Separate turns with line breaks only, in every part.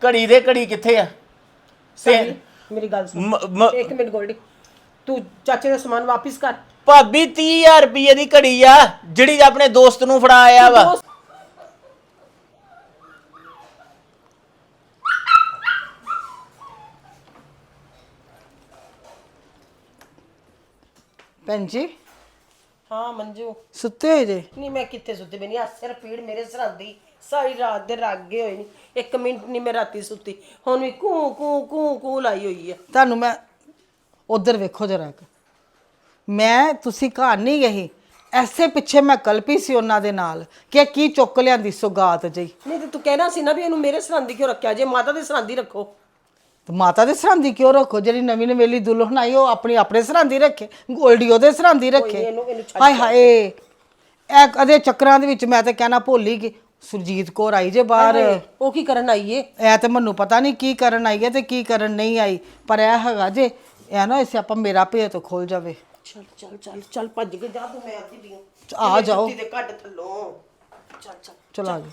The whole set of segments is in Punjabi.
ਘੜੀ ਦੇ ਘੜੀ ਕਿੱਥੇ ਆ?
ਮੇਰੀ ਗੱਲ ਸੁਣ ਇੱਕ ਮਿੰਟ ਗੋਲਡੀ, ਤੂੰ ਚਾਚੇ ਦਾ ਸਮਾਨ ਵਾਪਿਸ ਕਰ।
ਭਾਬੀ 30,000 ਰੁਪਏ ਦੀ ਘੜੀ ਆ ਜਿਹੜੀ ਆਪਣੇ ਦੋਸਤ ਨੂੰ ਫੜਾ ਆਇਆ ਵਾ।
ਭੈਣ ਜੀ
ਹਾਂ ਮੰਜੂ
ਸੁੱਤੇ ਹੋਏ ਜੇ?
ਨਹੀਂ ਮੈਂ ਕਿੱਥੇ ਸੁੱਤੀ ਬਈ ਨਹੀਂ, ਆ ਸਿਰ ਪੀੜ ਮੇਰੇ ਸਰਾਂਦੀ ਸਾਰੀ ਰਾਤ ਦੇ ਰਾਗੇ ਹੋਏ ਨਹੀਂ, ਇੱਕ ਮਿੰਟ ਨਹੀਂ ਮੈਂ ਰਾਤੀ ਸੁੱਤੀ, ਹੁਣ ਵੀ ਕੂ ਕੂ ਕੂ ਕੂ ਲਾਈ ਹੋਈ ਆ।
ਤੁਹਾਨੂੰ ਮੈਂ ਉਧਰ ਵੇਖੋ ਜਰਾ, ਮੈਂ ਤੁਸੀਂ ਘਰ ਨਹੀਂ ਗਈ, ਐਸੇ ਪਿੱਛੇ ਮੈਂ ਕਲਪੀ ਸੀ ਉਹਨਾਂ ਦੇ ਨਾਲ ਕਿ ਕੀ ਚੁੱਕ ਲਿਆਂਦੀ ਸੁਗਾਤ ਜੀ।
ਨਹੀਂ ਤੇ ਤੂੰ ਕਹਿਣਾ ਸੀ ਨਾ ਵੀ ਇਹਨੂੰ ਮੇਰੇ ਸਰਾਂਦੀ ਕਿਉਂ ਰੱਖਿਆ, ਜੇ ਮਾਤਾ ਦੇ ਸਰਾਂਦੀ ਰੱਖੋ।
ਤੇ ਮਾਤਾ ਦੇ ਸਰਾਂਦੀ ਕਿਉਂ ਰੱਖੋ? ਜਿਹੜੀ ਨਵੀਂ ਨਵੇਲੀ ਦੁਲਹਨ ਆਈ ਉਹ ਆਪਣੇ ਸਰਾਂਦੀ ਰੱਖੇ, ਗੋਲਡੀ ਉਹਦੇ ਸਰਾਂਦੀ ਰੱਖੇ।
ਇਹਨੂੰ
ਹਾਏ ਹਾਏ, ਇਹ ਕਦੇ ਚੱਕਰਾਂ ਦੇ ਵਿੱਚ ਮੈਂ ਤਾਂ ਕਹਿਣਾ ਭੁੱਲ ਹੀ ਗਈ। ਸੁਰਜੀਤ ਕੌਰ ਆਈ ਜੇ ਬਾਹਰ,
ਉਹ ਕੀ ਕਰਨ ਆਈ ਏ?
ਇਹ ਤੇ ਮੈਨੂੰ ਪਤਾ ਨਹੀਂ ਕੀ ਕਰਨ ਆਈ ਹੈ ਤੇ ਕੀ ਕਰਨ ਨਹੀਂ ਆਈ, ਪਰ ਇਹ ਹੈਗਾ ਜੇ ਇਹ ਨਾ ਇਸੇ ਆਪਾਂ ਮੇਰਾ ਭੇਤ ਖੁੱਲ ਜਾਵੇ।
ਚੱਲ ਚੱਲ ਚੱਲ ਚੱਲ ਭੱਜ ਕੇ ਜਾ ਤੂੰ, ਮੈਂ ਆਦੀ ਪਈ
ਆ ਜਾਓ
ਤੇ ਕੱਢ ਥੱਲੋਂ, ਚੱਲ ਚੱਲ
ਚਲ ਆ ਜਾਓ।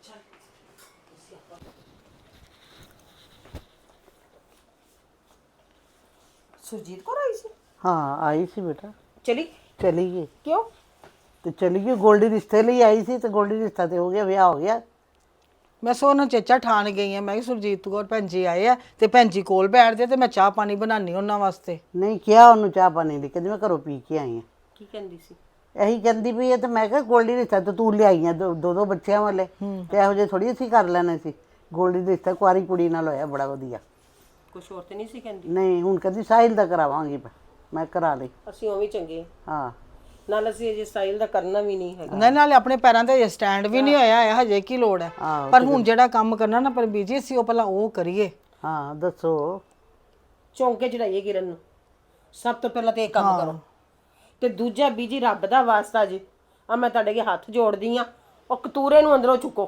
ਸੁਰਜੀਤ ਕੌਰ ਆਈ ਸੀ?
हाँ आई सी बेटा,
ਚਲੀ
चली गई
ਕਿਉਂ?
तो चली गई। गोल्डी रिश्ते लिए आई सी तो गोल्डी रिश्ता तो हो गया, ब्याह हो गया।
ਮੈਂ ਸੋਨਾ ਚੇਚਾ ਠਾਣ ਗਈ ਆ, ਮੈਂ ਕਿ ਸੁਰਜੀਤ ਕੌਰ ਭੈਣ ਜੀ ਆਏ ਆ ਤੇ ਭੈਣ ਜੀ ਕੋਲ ਬੈਠਦੇ ਤੇ ਮੈਂ ਚਾਹ ਪਾਣੀ ਬਣਾਉਣੀ ਉਹਨਾਂ ਵਾਸਤੇ।
नहीं किया उन्होंने चाह पानी ली, कहती मैं घरों पी के आई हाँ।
ਕੀ ਕਹਿੰਦੀ ਸੀ?
यही कहती भी है तो मैं कहा गोल्डी रिश्ता तो तू ले आई है, दो बच्चों वाले तो यहो जे थोड़ी असीं कर लेने सी। गोल्डी रिश्ता कुआरी कुड़ी नाल होया बड़ा वधिया।
ਕੁਛ ਹੋਰ ਤੇ ਨਹੀਂ ਸੀ ਕਹਿੰਦੀ?
नहीं हुण कहती साहिल दा करावांगी मैं करा ली।
ਅਸੀਂ ਉਹ ਵੀ ਚੰਗੇ
हाँ
ਨਾਲ, ਅਸੀਂ ਅਜੇ ਸਟਾਈਲ ਦਾ ਕਰਨਾ ਵੀ ਨਹੀਂ ਹੈਗਾ।
ਨਹੀਂ ਨਾਲੇ ਆਪਣੇ ਪੈਰਾਂ ਤੇ ਸਟੈਂਡ ਵੀ ਨਹੀਂ ਹੋਇਆ ਹੈ ਹਜੇ, ਕੀ ਲੋੜ ਹੈ?
ਆਹੋ,
ਪਰ ਹੁਣ ਜਿਹੜਾ ਕੰਮ ਕਰਨਾ ਨਾ ਪਰ ਬੀਜੀ ਅਸੀਂ ਉਹ ਪਹਿਲਾਂ ਉਹ ਕਰੀਏ।
हाँ दसो।
ਚੌਂਕੇ ਚੜਾਈਏ ਕਿਰਨ ਨੂੰ, ਸਭ ਤੋਂ ਪਹਿਲਾਂ ਤੇ ਇਹ ਕੰਮ ਕਰੋ, ਤੇ ਦੂਜਾ ਬੀਜੀ ਰੱਬ ਦਾ ਵਾਸਤਾ ਜੀ ਆ ਮੈਂ ਤੁਹਾਡੇ ਅੱਗੇ ਹੱਥ ਜੋੜਦੀ ਆ, ਉਹ ਕਤੂਰੇ ਨੂੰ ਅੰਦਰੋਂ ਚੁੱਕੋ।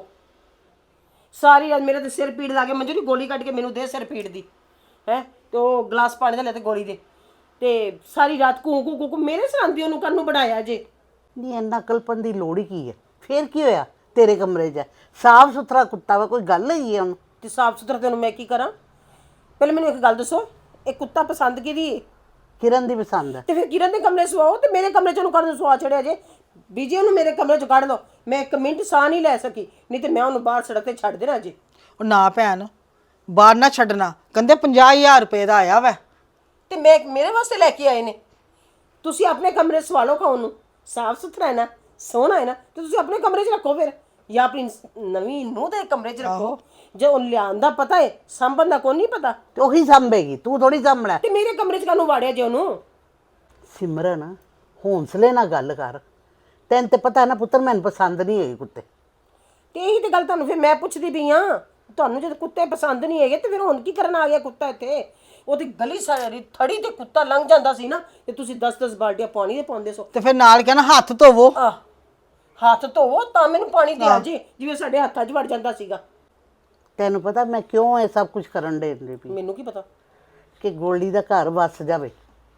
ਸਾਰੀ ਰਾਤ ਮੇਰੇ ਤੇ ਸਿਰ ਪੀੜ ਲਾ ਕੇ ਮੰਜੂ ਦੀ ਗੋਲੀ ਕੱਢ ਕੇ ਮੈਨੂੰ ਦੇ ਸਿਰ ਪੀੜ ਦੀ ਹੈ, ਤੇ ਉਹ ਗਲਾਸ ਪਾਣੀ ਦਾ ਲੈ ਤੇ ਗੋਲੀ ਦੇ, ਤੇ ਸਾਰੀ ਰਾਤ ਕੂ ਕੂ ਕੂ ਮੇਰੇ ਸਰਾਂਦੀ ਉਹਨੂੰ ਕਰਨ ਨੂੰ ਬਣਾਇਆ ਜੇ।
नहीं इन्ना कल्पन की लोड़ ही की है, फिर की होया? तेरे कमरे च साफ सुथरा कुत्ता वा, कोई गल है उन्होंने?
ਤੇ ਸਾਫ ਸੁਥਰਾ ਤੈਨੂੰ ਮੈਂ ਕੀ ਕਰਾਂ? ਪਹਿਲੇ ਮੈਨੂੰ ਇੱਕ ਗੱਲ ਦੱਸੋ, ਇਹ ਕੁੱਤਾ ਪਸੰਦ ਕਿਹਦੀ ਹੈ?
किरण दी पसंद है।
ਤੇ ਫਿਰ ਕਿਰਨ ਦੇ ਕਮਰੇ ਸਵਾਓ, ਤੇ ਮੇਰੇ ਕਮਰੇ ਚ ਉਹਨੂੰ ਕਰਨ ਸਵਾ ਛੜਿਆ ਜੇ। ਬੀਜੀ ਉਹਨੂੰ ਮੇਰੇ ਕਮਰੇ ਚ ਕੱਢ ਲਓ, ਮੈਂ ਇੱਕ ਮਿੰਟ ਸਾਹ ਨਹੀਂ ਲੈ ਸਕੀ, ਨਹੀਂ ਤੇ ਮੈਂ ਉਹਨੂੰ ਬਾਹਰ ਸੜਕ ਤੇ ਛੱਡ ਦੇਣਾ ਜੀ।
ਉਹ ਨਾ ਭੈਣ ਬਾਹਰ ਨਾ ਛੱਡਣਾ, ਕਹਿੰਦੇ 50,000 ਰੁਪਏ ਦਾ ਆਇਆ ਵਾ।
ਤੇ ਮੈਂ ਮੇਰੇ ਵਾਸਤੇ ਲੈ ਕੇ ਆਏ ਨੇ, ਤੁਸੀਂ ਆਪਣੇ ਕਮਰੇ ਸਵਾ ਲਓ। ਖਾਉਣ ਨੂੰ ਸਾਫ ਸੁਥਰਾ ਹੈ ਨਾ, ਸੋਹਣਾ ਹੈ ਨਾ, ਤੇ ਤੁਸੀਂ ਆਪਣੇ ਕਮਰੇ 'ਚ ਰੱਖੋ ਫਿਰ, ਜਾਂ ਆਪਣੀ ਨਵੀਂ ਨੂੰਹ ਦੇ ਕਮਰੇ 'ਚ ਰੱਖੋ। ਜੇ ਉਹ ਲਿਆਂਦਾ ਪਤਾ ਹੈ, ਸੰਭਣ ਦਾ ਕੋਈ ਨਹੀਂ ਪਤਾ,
तो वही संभेगी, तू थोड़ी संभला।
ਤੇ ਮੇਰੇ ਕਮਰੇ 'ਚ ਕਾਹਨੂੰ ਵਾੜਿਆ ਜੇ ਉਹਨੂੰ?
सिमरन हौंसले ना गल कर, तैन ते पता है ना पुत्र मैंने पसंद नहीं है कुत्ते।
ਤੇ ਇਹੀ ਤੇ ਗੱਲ ਤੁਹਾਨੂੰ ਫਿਰ ਮੈਂ ਪੁੱਛਦੀ ਪਈ ਆ, ਤੁਹਾਨੂੰ ਜਦ ਕੁੱਤੇ ਪਸੰਦ ਨਹੀਂ ਹੈਗੇ ਤੇ ਫਿਰ ਹੁਣ ਕੀ ਕਰਨ ਆ ਗਿਆ ਕੁੱਤਾ ਇੱਥੇ? ਉਹਦੀ ਗਲੀ ਸਾਰੀ ਥੜੀ ਤੇ ਕੁੱਤਾ ਲੰਘ ਜਾਂਦਾ ਸੀ ਨਾ, ਤੇ ਤੁਸੀਂ 10-10 ਬਾਲਟੀਆਂ ਪਾਣੀ ਦੇ ਪਾਉਂਦੇ ਸੋ।
ਤੇ ਫਿਰ ਨਾਲ ਕਹਿਣਾ ਹੱਥ ਧੋਵੋ।
ਹੱਥ ਧੋਵੋ ਤਾਂ ਮੈਨੂੰ ਪਾਣੀ ਦਿਆ ਜੇ, ਜਿਵੇਂ ਸਾਡੇ ਹੱਥਾਂ 'ਚ ਵੜ ਜਾਂਦਾ ਸੀਗਾ।
ਤੈਨੂੰ ਪਤਾ ਮੈਂ ਕਿਉਂ ਇਹ ਸਭ ਕੁਝ ਕਰਨ ਦੇ ਪਈ?
ਮੈਨੂੰ ਕੀ ਪਤਾ
ਕਿ ਗੋਲਡੀ ਦਾ ਘਰ ਵਸ ਜਾਵੇ।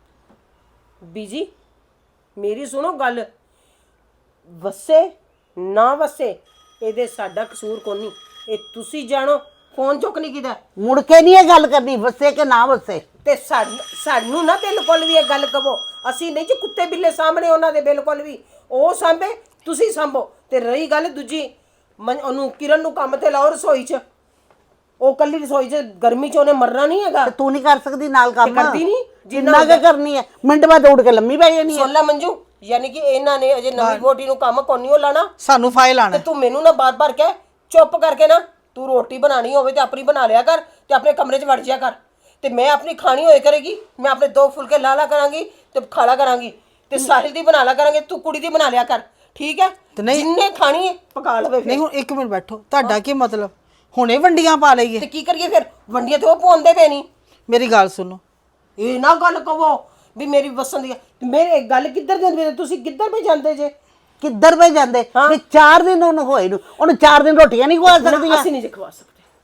ਬੀਜੀ ਮੇਰੀ ਸੁਣੋ ਗੱਲ, ਵਸੇ ਨਾ ਵਸੇ ਇਹਦੇ ਸਾਡਾ ਕਸੂਰ ਕੋਈ ਨਹੀਂ, ਇਹ ਤੁਸੀਂ ਜਾਣੋ। ਫੋਨ ਚੁੱਕ ਨਹੀਂ ਕੀਤਾ,
ਮੁੜ ਕੇ ਨਹੀਂ ਇਹ ਗੱਲ ਕਰਨੀ ਵਸੇ ਕਿ ਨਾ ਵਸੇ।
ਤੇ ਸਾਨੂੰ ਨਾ ਬਿਲਕੁਲ ਵੀ ਇਹ ਗੱਲ ਕਹੋ, ਅਸੀਂ ਨਹੀਂ ਜੀ ਕੁੱਤੇ ਬਿੱਲੇ ਸਾਹਮਣੇ ਉਹਨਾਂ ਦੇ, ਬਿਲਕੁਲ ਵੀ ਉਹ ਸਾਂਭੇ ਤੁਸੀਂ ਸਾਂਭੋ। ਤੇ ਰਹੀ ਗੱਲ ਦੂਜੀ, ਉਹਨੂੰ ਕਿਰਨ ਨੂੰ ਕੰਮ ਤੇ ਲਾਓ ਰਸੋਈ 'ਚ, ਉਹ ਕੱਲੀ ਰਸੋਈ 'ਚ ਗਰਮੀ 'ਚ ਉਹਨੇ ਮਰਨਾ ਨਹੀਂ ਹੈਗਾ।
ਤੇ ਤੂੰ ਨਹੀਂ ਕਰ ਸਕਦੀ ਨਾਲ ਕੰਮ?
ਕਰਦੀ ਨਹੀਂ
ਜਿੰਨਾ ਕਿ ਕਰਨੀ ਹੈ, ਮਿੰਟ ਬਾਅਦ ਉੱਡ ਕੇ ਲੰਮੀ ਪੈ ਜਾਣੀ ਹੈ।
ਸੁਣ ਲੈ ਮੰਜੂ, ਯਾਨੀ ਕਿ ਇਹਨਾਂ ਨੇ ਅਜੇ ਨਵੀਂ ਵੋਟੀ ਨੂੰ ਕੰਮ ਕੋਨੀ ਉਹ ਲਾਣਾ,
ਸਾਨੂੰ ਫਾਇਲ ਆਣਾ।
ਤੇ ਤੂੰ ਮੈਨੂੰ ਨਾ ਬਾਰ-ਬਾਰ ਕਹਿ, ਚੁੱਪ ਕਰਕੇ ਨਾ ਤੂੰ ਰੋਟੀ ਬਣਾਣੀ ਹੋਵੇ ਤੇ ਆਪਣੀ ਬਣਾ ਲਿਆ ਕਰ, ਤੇ ਆਪਣੇ ਕਮਰੇ 'ਚ ਵੜ ਜਿਆ ਕਰ, ਤੇ ਮੈਂ ਆਪਣੀ ਖਾਣੀ ਹੋਏ ਕਰੇਗੀ, ਮੈਂ ਆਪਣੇ 2 ਫੁਲਕੇ ਲਾ ਲਾ ਕਰਾਂਗੀ ਤੇ ਖਾਲਾ ਕਰਾਂਗੀ, ਤੇ ਸਾਹਿਲ ਦੀ ਬਣਾ ਲਾ ਕਰਾਂਗੇ, ਤੂੰ ਕੁੜੀ ਦੀ ਬਣਾ ਲਿਆ ਕਰ, ਠੀਕ ਹੈ? ਜਿੰਨੇ ਖਾਣੀ ਹੈ ਪਕਾ ਲਵੇ।
ਨਹੀਂ ਹੁਣ ਇੱਕ ਮਿੰਟ ਬੈਠੋ, ਤੁਹਾਡਾ ਕੀ ਮਤਲਬ ਹੁਣੇ ਵੰਡੀਆਂ ਪਾ ਲਈਏ?
ਤੇ ਕੀ ਕਰੀਏ ਫਿਰ? ਵੰਡੀਆਂ ਤੇ ਉਹ ਪਾਉਂਦੇ ਪਏ ਨਹੀਂ।
ਮੇਰੀ ਗੱਲ ਸੁਣੋ,
ਇਹ ਨਾ ਗੱਲ ਕਹੋ ਵੀ ਮੇਰੀ ਵਸਣ ਦੀ, ਮੇਰੇ ਗੱਲ ਕਿੱਧਰ ਜਾਂਦੇ, ਤੁਸੀਂ ਕਿੱਧਰ ਪੇ ਜਾਂਦੇ ਜੇ?
ਕਿੱਧਰ ਪੈ ਜਾਂਦੇ? ਵੀ 4 ਦਿਨ ਉਹਨੂੰ ਹੋਏ ਨੂੰ, ਉਹਨੂੰ 4 ਦਿਨ ਰੋਟੀਆਂ ਨਹੀਂ ਖਵਾ ਸਕਦੀਆਂ।
ਅਸੀਂ ਨਹੀਂ ਜੇ ਖਵਾ ਸਕਦੇ।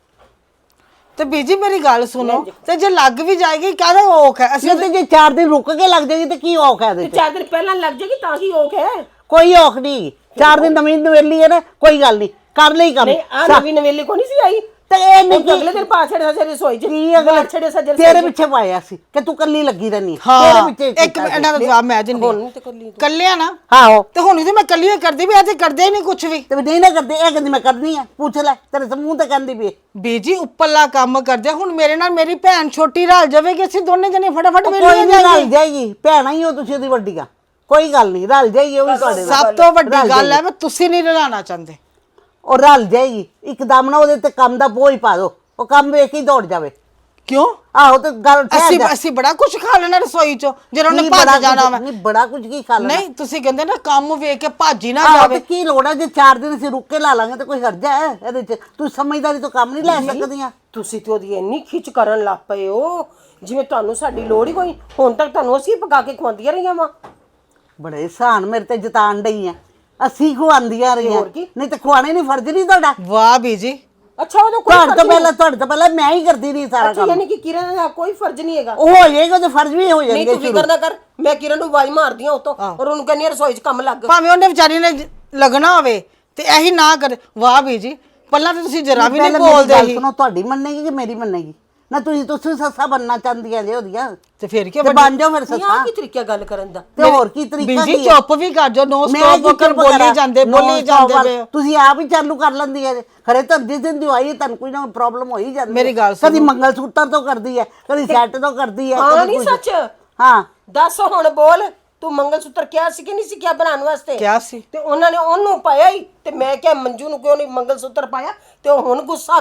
ਤੇ ਬੀਜੀ ਮੇਰੀ ਗੱਲ ਸੁਣੋ, ਤੇ ਜੇ ਲੱਗ ਵੀ ਜਾਏਗੀ ਕਾਹਦਾ ਔਖ ਹੈ? ਅਸੀਂ
ਤੇ ਜੇ 4 ਦਿਨ ਰੁਕ ਕੇ ਲੱਗ ਜਾਏਗੀ ਤੇ ਕੀ ਔਖ ਹੈ ਇਹਦੇ
ਤੇ 4 ਦਿਨ ਪਹਿਲਾਂ ਲੱਗ ਜਾਏਗੀ ਤਾਂ ਕੀ ਔਖ ਹੈ?
ਕੋਈ ਔਖ ਨਹੀਂ। 4 ਦਿਨ ਨਵੀਂ ਨਵੇਲੀ ਹੈ ਨਾ, ਕੋਈ ਗੱਲ ਨਹੀਂ, ਕਰ ਲਈ ਕੰਮ।
ਨਹੀਂ ਆ ਨਵੀਂ ਨਵੇਲੀ ਕੋ ਨਹੀਂ ਸੀ ਆਈ
ਤੇ ਇਹ
ਇੱਕ ਅਗਲੇ ਦਿਨ ਪਾ ਛੜਿਆ ਸੀ ਰਸੋਈ 'ਚ
ਕੀ ਅਗਲੇ
ਛੜੇ ਸੱਜੇ
ਤੇਰੇ ਪਿੱਛੇ ਪਾਇਆ ਸੀ ਕਿ ਤੂੰ ਕੱਲੀ ਲੱਗੀ ਰਹਿਨੀ
ਹਾਂ
ਤੇਰੇ ਪਿੱਛੇ
ਇੱਕ ਇਹਨਾਂ ਦਾ ਜਵਾਬ ਮੈਂ ਦਿੰਦੀ
ਤੇ ਕੱਲੀ
ਕੱਲਿਆ ਨਾ
ਆਹੋ
ਤੇ ਹੁਣ ਤੇ ਮੈਂ ਕੱਲੀ ਹੀ ਕਰਦੀ ਵੀ ਇਹ ਤੇ ਕਰਦੇ ਹੀ ਨਹੀਂ ਕੁਝ ਵੀ
ਤੇ ਨਹੀਂ ਨਾ ਕਰਦੇ ਇਹ ਕਹਿੰਦੀ ਮੈਂ ਕਰਨੀ ਆ ਪੁੱਛ ਲੈ ਤੇਰੇ ਸਮੂਹ ਤੇ ਕਹਿੰਦੀ ਵੀ
ਬੀਜੀ ਉੱਪਰਲਾ ਕੰਮ ਕਰਦੇ ਹੁਣ ਮੇਰੇ ਨਾਲ ਮੇਰੀ ਭੈਣ ਛੋਟੀ ਰਲ ਜਾਵੇਗੀ ਅਸੀਂ ਦੋਨੇ ਜਣੇ ਫਟਾਫਟ
ਕੋਈ
ਵੇਲੇ
ਨਹੀਂ ਰਲ ਜਾਏਗੀ ਭੈਣਾਂ ਹੀ ਹੋ ਤੁਸੀਂ ਉਹਦੀ ਵੱਡੀਆਂ ਕੋਈ ਗੱਲ ਨਹੀਂ ਰਲ ਜਾਏਗੀ ਉਹ ਵੀ ਤੁਹਾਡੇ ਨਾਲ
ਸਭ ਤੋਂ ਵੱਡੀ ਗੱਲ ਹੈ ਮੈਂ ਤੁਸੀਂ ਨਹੀਂ ਰਲਾਣਾ ਚਾਹੁੰਦੇ
ਉਹ ਰਲ ਜਾਏਗੀ ਇੱਕਦਮ ਨਾ ਉਹਦੇ ਤੇ ਕੰਮ ਦਾ ਬੋਝ ਪਾ ਦੋ ਉਹ ਕੰਮ ਵੇਖ ਕੇ ਹੀ ਦੌੜ ਜਾਵੇ
ਕਿਉਂ
ਆਹੋ ਤੇ ਗੱਲ ਠਹਿਰ
ਅਸੀਂ
ਜਾ
ਅਸੀਂ ਬੜਾ ਕੁਝ ਖਾ ਲੈਣਾ ਰਸੋਈ ਚੋਂ ਜਦੋਂ ਉਹਨੇ
ਨਹੀਂ,
ਭੱਜ
ਬੜਾ
ਜਾਣਾ
ਕੁਝ-
ਵਾ
ਨਹੀਂ ਬੜਾ ਕੁਝ ਕੀ ਖਾ ਲੈਣਾ
ਨਹੀਂ ਤੁਸੀਂ ਕਹਿੰਦੇ ਨਾ ਕੰਮ ਵੇਖ ਕੇ ਭੱਜ ਹੀ ਨਾ
ਆਹੋ
ਜਾਵੇ
ਤੇ ਕੀ ਲੋੜ ਹੈ ਜੇ 4 ਦਿਨ ਅਸੀਂ ਰੁੱਕ ਕੇ ਲਾ ਲਾਂਗੇ ਤੇ ਕੋਈ ਹਰਜਾ ਹੈ ਇਹਦੇ ਚ ਤੂੰ ਸਮਝਦਾਰੀ ਤੋਂ ਕੰਮ ਨਹੀਂ ਲੈ ਸਕਦੀਆਂ
ਤੁਸੀਂ ਤੇ ਉਹਦੀ ਇੰਨੀ ਖਿੱਚ ਕਰਨ ਲੱਗ ਪਏ ਹੋ ਜਿਵੇਂ ਤੁਹਾਨੂੰ ਸਾਡੀ ਲੋੜ ਹੀ ਕੋਈ ਹੁਣ ਤੱਕ ਤੁਹਾਨੂੰ ਅਸੀਂ ਪਕਾ ਕੇ ਖਵਾਉਂਦੀਆਂ ਰਹੀਆਂ ਵਾ
ਬੜੇ ਸਾਨ ਮੇਰੇ ਤੇ ਜਤਾਨ ਡਈ ਆ ਅਸੀਂ ਖਵਾਉਂਦੀਆਂ ਰਹੀਆਂ ਨਹੀਂ ਤੇ ਖਵਾਣੇ ਨਹੀਂ ਫਰਜ਼ ਨਹੀਂ ਤੁਹਾਡਾ
ਵਾਹ ਬੀਜੀ
ਅੱਛਾ ਉਹਦਾ ਕੋਈ
ਤੁਹਾਡੇ ਤੋਂ ਪਹਿਲਾਂ ਮੈਂ ਹੀ ਕਰਦੀ ਰਹੀ ਸਾਰਾ
ਅੱਛਾ
ਕੰਮ
ਯਾਨੀ ਕਿ ਕਿਰਨ ਦਾ ਕੋਈ ਫਰਜ਼ ਨਹੀਂ ਹੈਗਾ
ਉਹ ਹੋ ਜਾਏਗਾ ਤੇ ਫਰਜ਼ ਵੀ ਹੋ
ਨਹੀਂ
ਜਾਣਗੇ
ਤੂੰ ਫਿਕਰ ਨਾ ਕਰ ਮੈਂ ਕਿਰਨ ਨੂੰ ਆਵਾਜ਼ ਮਾਰਦੀ ਆ ਉਤੋਂ ਔਰ ਉਹਨੂੰ ਕਹਿੰਦੀ ਆ ਰਸੋਈ 'ਚ ਕੰਮ ਲੱਗ
ਭਾਵੇਂ ਉਹਨੇ ਵਿਚਾਰੀ ਨੇ ਲੱਗਣਾ ਹੋਵੇ ਤੇ ਇਹੀ ਨਾ ਕਰੇ ਵਾਹ ਬੀਜੀ ਪਹਿਲਾਂ ਤਾਂ ਤੁਸੀਂ ਜਰਾ ਵੀ ਨਹੀਂ
ਪਹਿਲਾਂ ਮੇਰੀ
ਬੋਲਦੇ
ਗੱਲ
ਸੀ
ਸੁਣੋ ਤੁਹਾਡੀ ਮੰਨੇਗੀ ਕਿ ਮੇਰੀ ਮੰਨੇਗੀ ਨਾ ਤੁਸੀਂ ਸੱਸਾ ਬਣਨਾ ਚਾਹੁੰਦੀਆਂ ਜੇ ਉਹਦੀਆਂ
ਤੇ ਫਿਰ ਕੀ
ਤੇ ਬਣ ਜਾਓ ਫਿਰ
ਆ
ਸੱਸਾ
ਕੀ ਤਰੀਕਾ ਗੱਲ ਕਰਨ ਦਾ
ਤੇ ਹੋਰ ਕੀ ਤਰੀਕਾ
ਬੀਜੀ
ਕੀ ਹੈ?
ਚੁੱਪ ਵੀ ਕਰ ਜੋ ਨੋ
ਮੈਂ
ਸਟਾਪ
ਕੀ
ਕਰ
ਚੁੱਪ
ਬੋਲੀ
ਕਰਾਂ?
ਜਾਂਦੇ
ਨੋ
ਬੋਲੀ
ਸਟਾਪ
ਜਾਂਦੇ ਪਏ ਹੋ।
ਤੁਸੀਂ ਆਪ ਹੀ ਚਾਲੂ ਕਰ ਲੈਂਦੀ ਹੈ ਖਰੇ ਤਾਂ ਜਿਸ ਦਿਨ ਦੀ ਆਈ ਹੈ ਤੁਹਾਨੂੰ ਕੋਈ ਨਾ ਪ੍ਰੋਬਲਮ ਹੋ ਹੀ ਜਾਂਦੀ
ਮੇਰੀ
ਹੈ।
ਗੱਲ
ਕਦੀ ਮੰਗਲ ਸੂਤਰ ਤੋਂ ਕਰਦੀ ਹੈ ਕਦੀ ਸੈੱਟ ਤੋਂ ਕਰਦੀ ਹੈ
ਹਾਂ
ਕਦੀ
ਨਹੀਂ
ਕੁਛ।
ਸੱਚ
ਹਾਂ
ਦੱਸ ਹੁਣ ਬੋਲ ਤੂੰ ਮੰਗਲ ਸੂਤਰ ਕਿਹਾ ਸੀ ਕਿ ਨਹੀਂ ਸੀ ਕਿਹਾ ਬਣਾਉਣ ਵਾਸਤੇ
ਕਿਹਾ ਸੀ
ਤੇ ਉਹਨਾਂ ਨੇ ਉਹਨੂੰ ਪਾਇਆ ਹੀ ਤੇ ਮੈਂ ਕਿਹਾ ਮੰਜੂ ਨੂੰ ਕਿਉਂ ਨਹੀਂ ਮੰਗਲ ਸੂਤਰ ਪਾਇਆ ਤੇ ਉਹ ਹੁਣ ਗੁੱਸਾ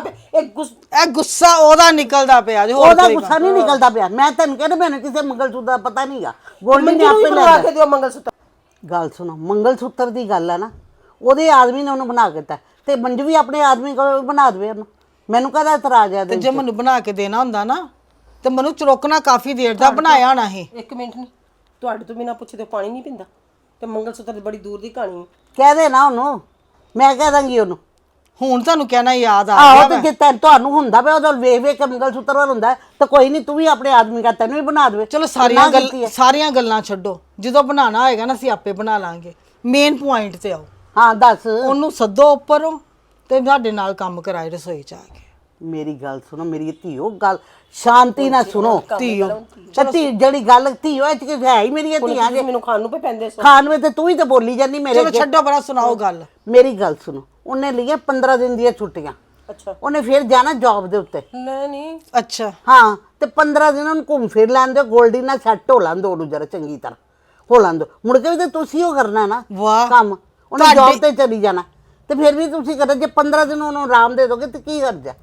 ਇਹ ਗੁੱਸਾ ਉਹਦਾ ਨਿਕਲਦਾ ਪਿਆ ਜੋ
ਉਹਦਾ ਗੁੱਸਾ ਨਹੀਂ ਨਿਕਲਦਾ ਪਿਆ ਮੈਂ ਤੈਨੂੰ ਕਹਿੰਦਾ ਮੈਨੂੰ ਕਿਸੇ ਮੰਗਲ ਸੂਤਰ ਦਾ ਪਤਾ ਨਹੀਂਗਾ ਗੋਲਡੀ ਨੇ
ਮੰਜੂ ਨੂੰ
ਆਪੇ
ਬਣਾ
ਲੈ
ਕੇ ਦਿਓ ਮੰਗਲ ਸੂਤਰ
ਗੱਲ ਸੁਣੋ ਮੰਗਲ ਸੂਤਰ ਦੀ ਗੱਲ ਹੈ ਨਾ ਉਹਦੇ ਆਦਮੀ ਨੇ ਉਹਨੂੰ ਬਣਾ ਕੇ ਦਿੱਤਾ ਤੇ ਮੰਜੂ ਵੀ ਆਪਣੇ ਆਦਮੀ ਕੋਲ ਬਣਾ ਦੇਵੇ ਉਹਨੂੰ ਮੈਨੂੰ ਕਾਹਦਾ ਇਤਰਾਜ਼ ਹੈ
ਤੇ ਜੇ ਮੈਨੂੰ ਬਣਾ ਕੇ ਦੇਣਾ ਹੁੰਦਾ ਨਾ ਤੇ ਮੈਨੂੰ ਚਰੋਕਣਾ ਕਾਫੀ ਦੇਰ ਦਾ ਬਣਾਇਆ ਹੋਣਾ ਸੀ
ਇੱਕ ਮਿੰਟ ਨਹੀਂ ਤੁਹਾਡੇ ਤੋਂ ਬਿਨਾਂ ਪੁੱਛੇ ਤੇ ਪਾਣੀ ਨਹੀਂ ਪੀਂਦਾ ਤੇ ਮੰਗਲ ਸੂਤਰ ਦੀ ਬੜੀ ਦੂਰ ਦੀ ਕਹਾਣੀ ਹੈ
ਕਹਿ ਦੇ ਨਾ ਉਹਨੂੰ ਮੈਂ ਕਹਿ ਦਾਂਗੀ ਉਹਨੂੰ
ਹੁਣ ਤੁਹਾਨੂੰ ਕਹਿਣਾ ਯਾਦ ਆ
ਆਹੋ
ਗਿਆ
ਤੇ ਜੇ ਤੁਹਾਨੂੰ ਹੁੰਦਾ ਪਿਆ ਉਹਦਾ ਵੇਖ ਵੇਖ ਕੇ ਮੰਗਲ ਸੂਤਰ ਵੱਲ ਹੁੰਦਾ ਤਾਂ ਕੋਈ ਨਹੀਂ ਤੂੰ ਵੀ ਆਪਣੇ ਆਦਮੀ ਕਾ ਤੈਨੂੰ ਵੀ ਬਣਾ ਦੇਵੇ
ਚਲੋ ਸਾਰੀਆਂ ਗੱਲਾਂ ਛੱਡੋ ਜਦੋਂ ਬਣਾਉਣਾ ਹੋਏਗਾ ਨਾ ਅਸੀਂ ਆਪੇ ਬਣਾ ਲਾਂਗੇ ਮੇਨ ਪੁਆਇੰਟ ਤੇ ਆਓ
ਹਾਂ ਦੱਸ
ਉਹਨੂੰ ਸੱਦੋ ਉੱਪਰੋਂ ਤੇ ਸਾਡੇ ਨਾਲ ਕੰਮ ਕਰਾਏ ਰਸੋਈ ਚ ਆ ਕੇ
ਮੇਰੀ ਗੱਲ ਸੁਣੋ ਮੇਰੀ ਧੀਓ ਗੱਲ ਸ਼ਾਂਤੀ ਨਾਲ ਸੁਣੋ
ਧੀਓ
ਧੀ ਜਿਹੜੀ ਗੱਲ ਧੀਓ ਇਹ ਚ ਹੈ ਹੀ ਮੇਰੀ ਧੀਆਂ ਜੇ
ਮੈਨੂੰ ਖਾਣ ਨੂੰ ਪੇ ਪੈਂਦੇ ਸੋ
ਖਾਣ ਵਿੱਚ ਤੇ ਤੂੰ ਹੀ ਤਾਂ ਬੋਲੀ ਜਾਂਦੀ ਮੇਰੇ
ਚਲੋ ਛੱਡੋ ਬੜਾ ਸੁਣਾਓ ਗੱਲ
ਮੇਰੀ ਗੱਲ ਸੁਣੋ ਉਹਨੇ ਲਈਆਂ 15 ਦਿਨ ਦੀਆਂ ਛੁੱਟੀਆਂ
ਅੱਛਾ
ਉਹਨੇ ਫਿਰ ਜਾਣਾ ਜੌਬ ਦੇ ਉੱਤੇ
ਨਹੀਂ
ਅੱਛਾ
ਹਾਂ ਤੇ 15 ਦਿਨ ਉਹਨੂੰ ਘੁੰਮ ਫਿਰ ਲੈਣ ਦਿਓ ਗੋਲਡੀ ਨਾਲ ਸੈੱਟ ਹੋ ਲੈਣ ਦਿਓ ਉਹਨੂੰ ਜਰਾ ਚੰਗੀ ਤਰ੍ਹਾਂ ਹੋ ਲੈਣ ਦਿਓ ਮੁੜ ਕੇ ਵੀ ਤੇ ਤੁਸੀਂ ਉਹ ਕਰਨਾ ਨਾ
ਵਾਹ
ਕੰਮ ਉਹਨੇ ਜੌਬ ਤੇ ਚਲੀ ਜਾਣਾ ਤੇ ਫਿਰ ਵੀ ਤੁਸੀਂ ਕਰੋ ਜੇ 15 ਦਿਨ ਉਹਨੂੰ ਆਰਾਮ ਦੇ ਦੋਗੇ ਤੇ ਕੀ ਕਰਜਾ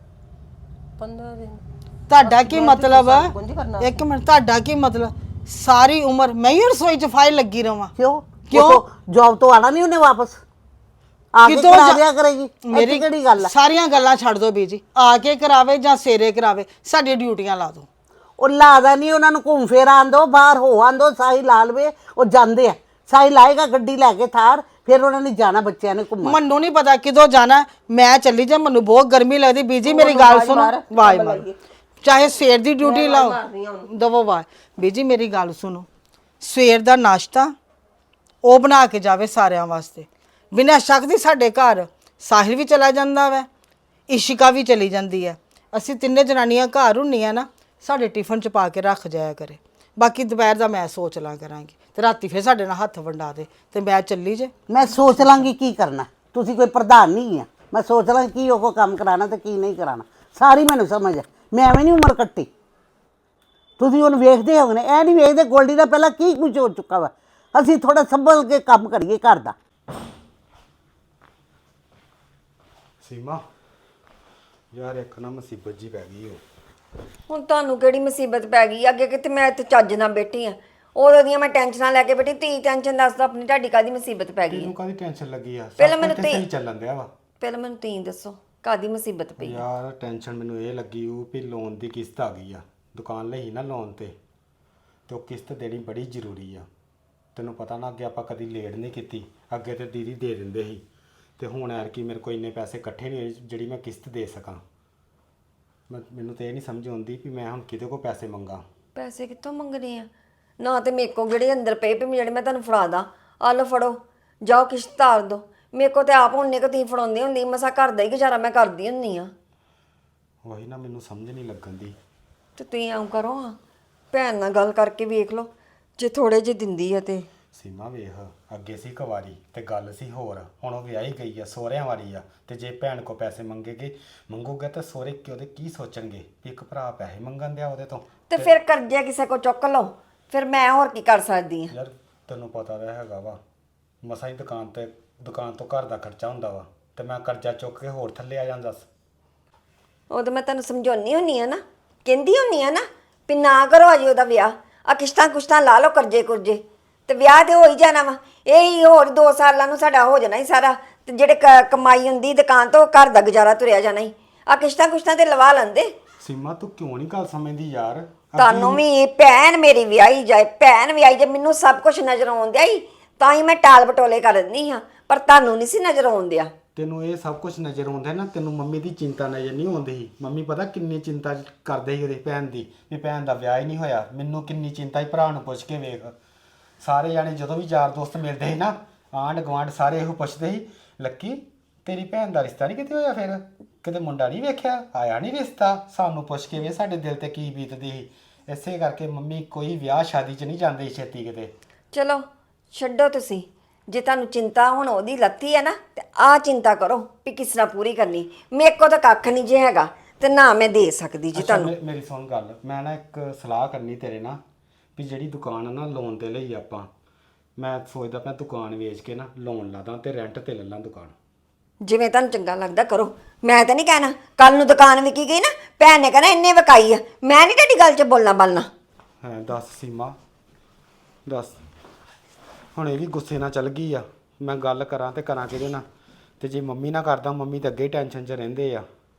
15 ਦਿਨ
ਤੁਹਾਡਾ ਕੀ ਮਤਲਬ ਆ
ਕੁੰਝ ਕਰਨਾ
ਇੱਕ ਮਿੰਟ ਤੁਹਾਡਾ ਕੀ ਮਤਲਬ ਸਾਰੀ ਉਮਰ ਮੈਂ ਹੀ ਰਸੋਈ ਚ ਫਾਈਲ ਲੱਗੀ ਰਵਾਂ
ਕਿਉਂ ਜੌਬ ਤੋਂ ਆਣਾ ਨਹੀਂ ਉਹਨੇ ਵਾਪਸ ਆ ਕੇ ਕਰਾ ਦਿਆ ਕਰੇਗੀ ਮੇਰੀ ਕਿਹੜੀ ਗੱਲ ਆ
ਸਾਰੀਆਂ ਗੱਲਾਂ ਛੱਡ ਦੋ ਬੀਜੀ ਆ ਕੇ ਕਰਾਵੇ ਜਾਂ ਸੇਰੇ ਕਰਾਵੇ ਸਾਡੀ ਡਿਊਟੀਆਂ ਲਾ ਦੋ
ਉਹ ਲਾਦਾ ਨਹੀਂ ਉਹਨਾਂ ਨੂੰ ਘੁੰਮ ਫੇਰ ਆਣ ਦੋ ਬਾਹਰ ਹੋ ਆਣ ਦੋ ਸਾਈ ਲਾ ਲਵੇ ਉਹ ਜਾਂਦੇ ਆ ਸਾਈ ਲਾਏਗਾ ਗੱਡੀ ਲੈ ਕੇ ਥਾਰ ਫਿਰ ਉਹਨਾਂ ਨੇ ਜਾਣਾ ਬੱਚਿਆਂ ਨੇ ਘੁੰਮਣ
ਮੈਨੂੰ ਨਹੀਂ ਪਤਾ ਕਿਦੋਂ ਜਾਣਾ ਮੈਂ ਚੱਲੀ ਜਾ ਮੈਨੂੰ ਬਹੁਤ ਗਰਮੀ ਲੱਗਦੀ ਬੀਜੀ ਮੇਰੀ ਗੱਲ ਸੁਣੋ ਵਾਹ ਮਾਰ ਚਾਹੇ ਸਵੇਰ ਦੀ ਡਿਊਟੀ ਲਾਓ ਦਵੋ ਵਾਹ ਬੀਜੀ ਮੇਰੀ ਗੱਲ ਸੁਣੋ ਸਵੇਰ ਦਾ ਨਾਸ਼ਤਾ ਉਹ ਬਣਾ ਕੇ ਜਾਵੇ ਸਾਰਿਆਂ ਵਾਸਤੇ ਬਿਨਾਂ ਸ਼ੱਕ ਦੀ ਸਾਡੇ ਘਰ ਸਾਹਿਲ ਵੀ ਚਲਾ ਜਾਂਦਾ ਵੈ ਇਸ਼ਿਕਾ ਵੀ ਚਲੀ ਜਾਂਦੀ ਹੈ ਅਸੀਂ ਤਿੰਨੇ ਜਨਾਨੀਆਂ ਘਰ ਹੁੰਨੀਆਂ ਨਾ ਸਾਡੇ ਟਿਫਨ ਚ ਪਾ ਕੇ ਰੱਖ ਜਾਇਆ ਕਰੇ ਬਾਕੀ ਦੁਪਹਿਰ ਦਾ ਮੈਂ ਸੋਚ ਲਾਂ ਕਰਾਂਗੀ ਤੇ ਰਾਤੀ ਫਿਰ ਸਾਡੇ ਨਾਲ ਹੱਥ ਵੰਡਾ ਦੇ ਤੇ ਮੈਂ ਚੱਲੀ ਜੇ
ਮੈਂ ਸੋਚ ਲਾਂਗੀ ਕੀ ਕਰਨਾ ਤੁਸੀਂ ਕੋਈ ਪ੍ਰਧਾਨ ਨਹੀਂ ਆ ਮੈਂ ਸੋਚ ਲਾਂ ਕੀ ਉਹ ਕੰਮ ਕਰਾਣਾ ਤੇ ਕੀ ਨਹੀਂ ਕਰਾਣਾ ਸਾਰੀ ਮੈਨੂੰ ਸਮਝ ਆ ਮੈਂ ਐਵੇਂ ਨਹੀਂ ਉਮਰ ਕੱਟੀ ਤੁਸੀਂ ਉਹਨੂੰ ਵੇਖਦੇ ਹੋਗੇ ਇਹ ਨਹੀਂ ਵੇਖਦੇ ਗੋਲਡੀ ਦਾ ਪਹਿਲਾਂ ਕੀ ਕੁਝ ਹੋ ਚੁੱਕਾ ਵਾ ਅਸੀਂ ਥੋੜਾ ਸੰਭਲ ਕੇ ਕੰਮ ਕਰੀਏ ਘਰ ਦਾ
ਸੀਮਾ ਯਾਰ ਇੱਕ ਨਾ ਮੁਸੀਬਤ ਜੀ ਪੈ ਗਈ ਹੋ
ਹੁਣ ਤੁਹਾਨੂੰ ਕਿਹੜੀ ਮੁਸੀਬਤ ਪੈ ਗਈ ਅੱਗੇ ਕਿਤੇ ਮੈਂ ਇੱਥੇ ਚੱਜ ਨਾਲ ਬੈਠੀ ਆ ਉਹਦੋਂ ਦੀਆਂ ਮੈਂ ਟੈਨਸ਼ਨਾਂ ਲੈ ਕੇ ਬੈਠੀ ਤੀ ਟੈਨਸ਼ਨ ਦੱਸਦਾ ਆਪਣੀ ਤੁਹਾਡੀ ਕਾਦੀ ਮੁਸੀਬਤ ਪੈ ਗਈ
ਤੈਨੂੰ ਕਾਦੀ ਟੈਨਸ਼ਨ ਲੱਗੀ ਆ
ਪਹਿਲਾਂ
ਸਭ
ਮੈਨੂੰ
ਕੁਝ ਸਹੀ ਚੱਲਣ ਦਿਆ ਵਾ
ਪਹਿਲਾਂ ਮੈਨੂੰ ਤੀ ਦੱਸੋ ਕਾਦੀ ਮੁਸੀਬਤ ਪਈ
ਯਾਰ ਟੈਨਸ਼ਨ ਮੈਨੂੰ ਇਹ ਲੱਗੀ ਉਹ ਵੀ ਲੋਨ ਦੀ ਕਿਸ਼ਤ ਆ ਗਈ ਆ ਦੁਕਾਨ ਲਈ ਨਾ ਲੋਨ ਤੇ ਉਹ ਕਿਸ਼ਤ ਦੇਣੀ ਬੜੀ ਜ਼ਰੂਰੀ ਆ ਤੈਨੂੰ ਪਤਾ ਨਾ ਅੱਗੇ ਆਪਾਂ ਕਦੀ ਲੇਟ ਨਹੀਂ ਕੀਤੀ ਅੱਗੇ ਤੇ ਦੀਦੀ ਦੇ ਦਿੰਦੇ ਸੀ ਤੇ ਹੁਣ ਯਾਰ ਕੀ ਮੇਰੇ ਕੋਲ ਇੰਨੇ ਪੈਸੇ ਇਕੱਠੇ ਨਹੀਂ ਹੋਏ ਜਿਹੜੀ ਮੈਂ ਕਿਸ਼ਤ ਦੇ ਸਕਾਂ ਮੈਨੂੰ ਤੇ ਇਹ ਨਹੀਂ ਸਮਝ ਆਉਂਦੀ ਵੀ ਮੈਂ ਹੁਣ ਕਿਹਦੇ ਕੋਲ ਪੈਸੇ ਮੰਗਾ
ਪੈਸੇ ਕਿੱਥੋਂ ਮੰਗਣੇ ਆ ਨਾ ਤੇ ਮੇਰੇ ਕੋਲ ਜਿਹੜੇ ਅੰਦਰ ਪਏ ਜਿਹੜੇ ਮੈਂ ਤੁਹਾਨੂੰ ਫੜਾ ਦਾਂ ਆ ਲਓ ਫੜੋ ਜਾਓ ਕਿਸ਼ਤ ਤਾਰ ਦੋ ਮੇਰੇ ਕੋਲ ਤੇ ਆਪ ਹੁੰਨੇ ਕੋ ਤੁਸੀਂ ਫੜਾਉਂਦੇ ਹੁੰਦੀ ਮਸਾ ਘਰ ਦਾ ਹੀ ਗੁਜ਼ਾਰਾ ਮੈਂ ਕਰਦੀ ਹੁੰਨੀ ਆ
ਉਹੀ ਨਾ ਮੈਨੂੰ ਸਮਝ ਨਹੀਂ ਲੱਗਣ ਦੀ।
ਤੇ ਤੁਸੀਂ ਆਉਂ ਕਰੋ ਹਾਂ, ਭੈਣ ਨਾਲ ਗੱਲ ਕਰਕੇ ਵੇਖ ਲਓ, ਜੇ ਥੋੜੇ ਜਿਹੇ ਦਿੰਦੀ ਆ ਤੇ।
ਸੀਮਾ ਵੇਖ, ਅੱਗੇ ਸੀ ਕੁਵਾਰੀ ਤੇ ਗੱਲ ਸੀ ਹੋਰ, ਹੁਣ ਉਹ ਵਿਆਹੀ ਗਈ ਆ, ਸਹੁਰਿਆਂ ਵਾਲੀ ਆ, ਤੇ ਜੇ ਭੈਣ ਕੋ ਪੈਸੇ ਮੰਗੂਗੇ ਤਾਂ ਸਹੁਰੇ ਉਹਦੇ ਕੀ ਸੋਚਣਗੇ ਵੀ ਇੱਕ ਭਰਾ ਪੈਸੇ ਮੰਗਣ ਦਿਆ ਉਹਦੇ ਤੋਂ।
ਤੇ ਫਿਰ ਕਰਜ਼ਾ ਕਿਸੇ ਕੋ ਚੁੱਕ ਲਓ, ਫਿਰ ਮੈਂ ਹੋਰ ਕੀ ਕਰ ਸਕਦੀ ਹਾਂ।
ਯਾਰ ਤੈਨੂੰ ਪਤਾ ਤਾਂ ਹੈਗਾ ਵਾ, ਮਸਾਂ ਹੀ ਦੁਕਾਨ ਤੋਂ ਘਰ ਦਾ ਖਰਚਾ ਹੁੰਦਾ ਵਾ, ਤੇ ਮੈਂ ਕਰਜ਼ਾ ਚੁੱਕ ਕੇ ਹੋਰ ਥੱਲੇ ਆ ਜਾਂਦਾ।
ਉਦੋਂ ਮੈਂ ਤੁਹਾਨੂੰ ਸਮਝਾਉਣੀ ਹੁੰਨੀ ਆ ਨਾ, ਕਹਿੰਦੀ ਹੁੰਨੀ ਆ ਨਾ ਵੀ ਨਾ ਕਰੋ ਅਜੇ ਉਹਦਾ ਵਿਆਹ, ਆ ਕਿਸ਼ਤਾਂ ਲਾ ਲਓ ਕਰਜ਼ੇ ਕੁਰਜ਼ੇ, ਤੇ ਵਿਆਹ ਤੇ ਹੋ ਹੀ ਜਾਣਾ ਵਾ। ਇਹ ਹੀ ਹੋਰ 2 ਸਾਲਾਂ ਨੂੰ ਸਾਡਾ ਹੋ ਜਾਣਾ ਹੀ ਸਾਰਾ, ਤੇ ਜਿਹੜੇ ਕਮਾਈ ਹੁੰਦੀ ਦੁਕਾਨ ਤੋਂ ਘਰ ਦਾ ਗੁਜ਼ਾਰਾ ਤੁਰਿਆ ਜਾਣਾ ਹੀ। ਆ ਕਿਸ਼ਤਾਂ ਤੇ ਲਵਾ ਲੈਂਦੇ।
ਸੀਮਾ ਤੂੰ ਕਿਉਂ ਨਹੀਂ ਗੱਲ ਸਮਝਦੀ ਯਾਰ?
ਤੁਹਾਨੂੰ ਵੀ ਭੈਣ ਮੇਰੀ ਵਿਆਹੀ ਜਾਏ, ਭੈਣ ਵਿਆਹੀ ਜੇ, ਮੈਨੂੰ ਸਭ ਕੁਝ ਨਜ਼ਰ ਆਉਂਦਿਆ ਹੀ ਤਾਂ ਹੀ ਮੈਂ ਟਾਲ ਬਟੋਲੇ ਕਰ ਦਿੰਦੀ ਹਾਂ, ਪਰ ਤੁਹਾਨੂੰ ਨਹੀਂ ਸੀ ਨਜ਼ਰ ਆਉਂਦਿਆ।
ਤੈਨੂੰ ਇਹ ਸਭ ਕੁਝ ਨਜ਼ਰ ਆਉਂਦਾ ਨਾ, ਤੈਨੂੰ ਮੰਮੀ ਦੀ ਚਿੰਤਾ ਨਜ਼ਰ ਨਹੀਂ ਆਉਂਦੀ ਸੀ। ਮੰਮੀ ਪਤਾ ਕਿੰਨੀ ਚਿੰਤਾ ਕਰਦੇ ਸੀ ਉਹਦੇ ਭੈਣ ਦੀ, ਵੀ ਭੈਣ ਦਾ ਵਿਆਹ ਹੀ ਨਹੀਂ ਹੋਇਆ। ਮੈਨੂੰ ਕਿੰਨੀ ਚਿੰਤਾ ਸੀ, ਭਰਾ ਨੂੰ ਪੁੱਛ ਕੇ ਵੇਖ। ਸਾਰੇ ਜਾਣੇ ਜਦੋਂ ਵੀ ਯਾਰ ਦੋਸਤ ਮਿਲਦੇ ਸੀ ਨਾ, ਆਂਢ ਗੁਆਂਢ ਸਾਰੇ ਇਹੋ ਪੁੱਛਦੇ ਸੀ, ਲੱਕੀ ਤੇਰੀ ਭੈਣ ਦਾ ਰਿਸ਼ਤਾ ਨਹੀਂ ਕਿਤੇ ਹੋਇਆ? ਫਿਰ ਕਿਤੇ ਮੁੰਡਾ ਨਹੀਂ ਵੇਖਿਆ, ਆਇਆ ਨਹੀਂ ਰਿਸ਼ਤਾ? ਸਾਨੂੰ ਪੁੱਛ ਕੇ ਵੇ ਸਾਡੇ ਦਿਲ ਤੇ ਕੀ ਬੀਤਦੀ ਸੀ। ਇਸੇ ਕਰਕੇ ਮੰਮੀ ਕੋਈ ਵਿਆਹ ਸ਼ਾਦੀ 'ਚ ਨਹੀਂ ਜਾਂਦੇ ਛੇਤੀ ਕਿਤੇ।
ਚਲੋ ਛੱਡੋ ਤੁਸੀਂ, ਜੇ ਤੁਹਾਨੂੰ ਚਿੰਤਾ ਹੁਣ ਉਹਦੀ ਲੱਤੀ ਹੈ ਨਾ, ਤੇ ਆਹ ਚਿੰਤਾ ਕਰੋ ਵੀ ਕਿਸ ਤਰ੍ਹਾਂ ਪੂਰੀ ਕਰਨੀ। ਮੇਰੇ ਕੋਲ ਤਾਂ ਕੱਖ ਨਹੀਂ ਜੇ ਹੈਗਾ, ਤੇ ਨਾ ਮੈਂ ਦੇ ਸਕਦੀ ਜੀ
ਅੱਛਾ,
ਤੁਹਾਨੂੰ।
ਮੇਰੀ ਸੁਣ ਗੱਲ, ਮੈਂ ਨਾ ਇੱਕ ਸਲਾਹ ਕਰਨੀ ਤੇਰੇ ਨਾਲ, ਵੀ ਜਿਹੜੀ ਦੁਕਾਨ ਆ ਨਾ ਲੋਨ ਤੇ ਲਈ ਆਪਾਂ, ਮੈਂ ਸੋਚਦਾ ਪਿਆ ਦੁਕਾਨ ਵੇਚ ਕੇ ਨਾ ਲੋਨ ਲਾ ਦਾਂ ਤੇ ਰੈਂਟ ਤੇ ਲੈ ਲਾਂ ਦੁਕਾਨ।
ਜਿਵੇਂ ਤੁਹਾਨੂੰ ਚੰਗਾ ਲੱਗਦਾ ਕਰੋ, ਮੈਂ ਤਾਂ ਨਹੀਂ ਕਹਿਣਾ ਕੱਲ ਨੂੰ ਦੁਕਾਨ ਵਿਕੀ ਗਈ ਨਾ, ਭੈਣ ਨੇ ਕਹਿਣਾ ਇੰਨੇ ਵਿਕਾਈ ਆ, ਮੈਂ ਨਹੀਂ ਤੁਹਾਡੀ ਗੱਲ 'ਚ ਬੋਲਣਾ ਬਾਲਣਾ।
ਹੈ ਦੱਸ ਸੀਮਾ, ਦੱਸ ਹੁਣ ਇਹ ਵੀ ਗੁੱਸੇ ਨਾਲ ਚੱਲ ਗਈ ਆ, ਮੈਂ ਗੱਲ ਕਰਾਂ ਤੇ ਕਰਾਂ ਕਿਹਦੇ ਨਾਲ? ਤੇ ਜੇ ਮੰਮੀ ਨਾਲ ਕਰਦਾ, ਮੰਮੀ ਤਾਂ ਅੱਗੇ ਹੀ ਟੈਨਸ਼ਨ 'ਚ ਰਹਿੰਦੇ ਆ।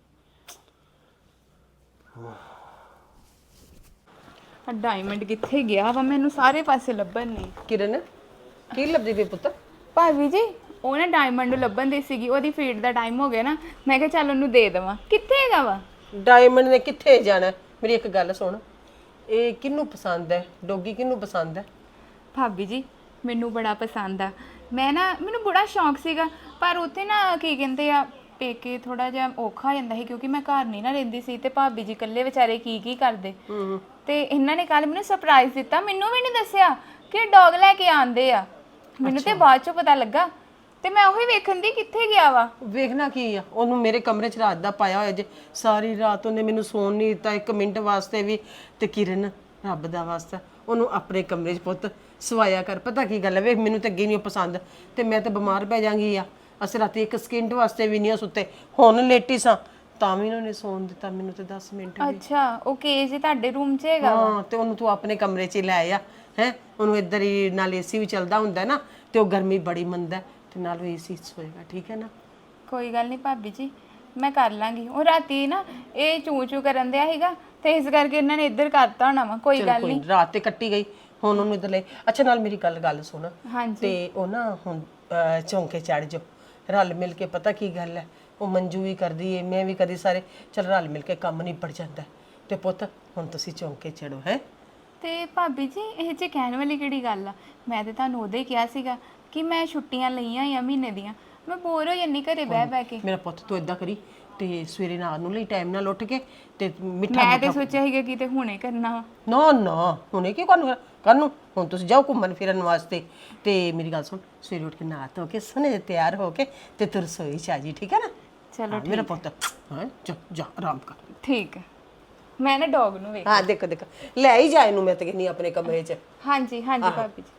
ਡਾਇਮੰਡ ਕਿੱਥੇ ਗਿਆ ਵਾ? ਮੈਨੂੰ ਸਾਰੇ ਪਾਸੇ ਲੱਭਣ ਨਹੀਂ।
ਕਿਰਨ ਕੀ ਲੱਭਦੀ ਪਈ ਪੁੱਤ?
ਭਾਬੀ ਜੀ ਉਹ ਨਾ ਡਾਇਮੰਡ ਨੂੰ ਲੱਭਣ ਦੀ ਸੀਗੀ, ਉਹਦੀ ਫੀਡ ਦਾ ਟਾਈਮ ਹੋ ਗਿਆ ਨਾ, ਮੈਂ ਕਿਹਾ ਚੱਲ ਉਹਨੂੰ ਦੇ ਦੇਵਾਂ। ਕਿੱਥੇ ਹੈਗਾ ਵਾ?
ਡਾਇਮੰਡ ਨੇ ਕਿੱਥੇ ਜਾਣਾ? ਮੇਰੀ ਇੱਕ ਗੱਲ ਸੁਣ, ਇਹ ਕਿਹਨੂੰ ਪਸੰਦ ਹੈ? ਡੋਗੀ ਕਿਹਨੂੰ ਪਸੰਦ ਹੈ?
ਭਾਬੀ ਜੀ ਮੈਨੂੰ ਬੜਾ ਪਸੰਦ ਆ। ਮੈਨੂੰ ਬੜਾ ਸ਼ੌਂਕ ਸੀਗਾ, ਪਰ ਉੱਥੇ ਨਾ ਕੀ ਕਹਿੰਦੇ ਆ, ਪੇਕੇ ਥੋੜਾ ਜਿਹਾ ਔਖਾ ਹੋ ਜਾਂਦਾ ਸੀ, ਕਿਉਂਕਿ ਮੈਂ ਘਰ ਨਹੀਂ ਨਾ ਰਹਿੰਦੀ ਸੀ, ਤੇ ਭਾਬੀ ਜੀ ਇਕੱਲੇ ਵਿਚਾਰੇ ਕੀ ਕਰਦੇ। ਤੇ ਇਹਨਾਂ ਨੇ ਕੱਲ ਮੈਨੂੰ ਸਰਪ੍ਰਾਈਜ਼ ਦਿੱਤਾ, ਮੈਨੂੰ ਵੀ ਨਹੀਂ ਦੱਸਿਆ ਕਿ ਡੌਗ ਲੈ ਕੇ ਆਂਦੇ ਆ। ਮੈਨੂੰ ਤੇ ਬਾਅਦ ਚੋਂ ਪਤਾ ਲੱਗਾ, ਤੇ ਮੈਂ ਉਹੀ ਵੇਖਣ ਦੀ ਕਿੱਥੇ ਗਿਆ ਵਾ।
ਵੇਖਣਾ ਕੀ ਆ, ਉਹਨੂੰ ਮੇਰੇ ਕਮਰੇ 'ਚ ਰਾਤ ਦਾ ਪਾਇਆ ਹੋਇਆ ਜੇ। ਸਾਰੀ ਰਾਤ ਉਹਨੇ ਮੈਨੂੰ ਸੌਣ ਨਹੀਂ ਦਿੱਤਾ 1 ਮਿੰਟ ਵਾਸਤੇ ਵੀ। ਤੇ ਕਿਰਨ ਰੱਬ ਦਾ ਵਾਸਤਾ ਉਹਨੂੰ ਆਪਣੇ ਕਮਰੇ 'ਚ ਪੁੱਤ ਸਵਾਇਆ ਕਰ। ਪਤਾ ਕੀ ਗੱਲ ਹੈ, ਵੇਖ ਮੈਨੂੰ ਤਾਂ ਅੱਗੇ ਨਹੀਂ ਪਸੰਦ, ਤੇ ਮੈਂ ਤਾਂ ਬਿਮਾਰ ਪੈ ਜਾਵਾਂਗੀ ਆ। ਅਸੀਂ ਰਾਤੀ 1 ਸਕਿੰਟ ਵਾਸਤੇ ਵੀ ਨਹੀਂ ਸੁੱਤੇ, ਹੁਣ ਲੇਟੀ ਸਾਂ ਤਾਂ ਵੀ ਉਹਨੇ ਸੌਣ ਦਿੱਤਾ ਮੈਨੂੰ ਤੇ 10 ਮਿੰਟ ਵੀ।
ਅੱਛਾ, ਉਹ ਕੇਜ ਹੀ ਤੁਹਾਡੇ ਰੂਮ 'ਚ ਹੈਗਾ?
ਹਾਂ, ਤੇ ਉਹਨੂੰ ਤੂੰ ਆਪਣੇ ਕਮਰੇ 'ਚ ਲੈ ਆ ਹੈ। ਉਹਨੂੰ ਇੱਧਰ ਹੀ ਨਾਲ ਏਸੀ ਵੀ ਚੱਲਦਾ ਹੁੰਦਾ ਨਾ, ਤੇ ਉਹ ਗਰਮੀ ਬੜੀ ਮੰਨਦਾ, ਤੇ ਨਾਲ ਉਹ ਏਸੀ ਸੋਏਗਾ, ਠੀਕ ਹੈ ਨਾ?
ਕੋਈ ਗੱਲ ਨਹੀਂ ਭਾਬੀ ਜੀ, ਮੈਂ ਕਰ ਲਾਂਗੀ। ਉਹ ਰਾਤੀ ਨਾ ਇਹ ਚੂੰ ਕਰਨ ਦਿਆ ਸੀਗਾ, ਤੇ ਇਸ ਕਰਕੇ ਇਹਨਾਂ ਨੇ ਇੱਧਰ ਕਰਤਾ ਹੋਣਾ ਵਾ। ਕੋਈ ਗੱਲ ਨਹੀਂ,
ਰਾਤ ਤੇ ਕੱਟੀ ਗਈ, ਹੁਣ ਉਹਨੂੰ ਇੱਧਰ ਲੈ। ਅੱਛਾ ਨਾਲ ਮੇਰੀ ਗੱਲ ਸੁਣ,
ਹਾਂਜੀ।
ਤੇ ਉਹ ਨਾ ਹੁਣ ਚੌਂਕੇ ਚੜ ਜਾਓ ਰਲ ਮਿਲ ਕੇ। ਪਤਾ ਕੀ ਗੱਲ ਹੈ, ਉਹ ਮੰਜੂ ਵੀ ਕਰਦੀ ਏ, ਮੈਂ ਵੀ ਕਦੀ, ਸਾਰੇ ਚਲ ਰਲ ਮਿਲ ਕੇ ਕੰਮ ਨਿਬੜ ਜਾਂਦਾ। ਤੇ ਪੁੱਤ ਹੁਣ ਤੁਸੀਂ ਚੌਂਕੇ ਚੜੋ ਹੈ।
ਤੇ ਭਾਬੀ ਜੀ ਇਹ 'ਚ ਕਹਿਣ ਵਾਲੀ ਕਿਹੜੀ ਗੱਲ ਆ? ਮੈਂ ਤੇ ਤੁਹਾਨੂੰ ਉਦੋਂ ਹੀ ਕਿਹਾ ਸੀਗਾ ਕਿ ਮੈਂ ਛੁੱਟੀਆਂ ਲਈਆਂ ਆ ਮਹੀਨੇ ਦੀਆਂ, ਮੈਂ ਬੋਰ ਹੋ ਜਾਂਦੀ ਘਰੇ ਬਹਿ ਕੇ।
ਮੇਰਾ ਪੁੱਤ ਤੂੰ ਇਦਾਂ ਕਰੀ, ਤੇ ਸਵੇਰੇ ਨਾਲ ਨੂੰ ਲਈ ਟਾਈਮ ਨਾਲ ਉੱਠ ਕੇ ਤੇ ਮਿੱਠਾ
ਮੈਂ ਤੇ ਸੋਚਿਆ ਸੀਗਾ ਕਿ ਤੇ ਹੁਣੇ ਕਰਨਾ ਵਾ।
ਨਾ ਹੁਣੇ ਕੀ ਕਰਨ ਹੁਣ ਤੁਸੀਂ ਜਾਓ ਘੁੰਮਣ ਫਿਰਨ ਵਾਸਤੇ। ਤੇ ਮੇਰੀ ਗੱਲ ਸੁਣ, ਸਵੇਰੇ ਉੱਠ ਕੇ ਨਹਾ ਧੋ ਕੇ ਸੋਹਣੇ ਜਿਹੇ ਤਿਆਰ ਹੋ ਕੇ ਤੇ ਤੂੰ ਰਸੋਈ 'ਚ ਆ ਜੀ, ਠੀਕ ਹੈ ਨਾ?
ਚਲੋ
ਮੇਰਾ ਪੁੱਤ ਹਾਂ, ਜਾ ਆਰਾਮ ਕਰ।
ਠੀਕ ਹੈ, ਮੈਂ ਨਾ ਡੌਗ ਨੂੰ ਵੇਖ।
ਹਾਂ ਦੇਖੋ ਲੈ ਹੀ ਜਾ ਇਹਨੂੰ, ਮੈਂ ਤਾਂ ਕਹਿੰਦੀ ਆਪਣੇ ਕਮਰੇ 'ਚ।
ਹਾਂਜੀ ਭਾਬੀ ਜੀ।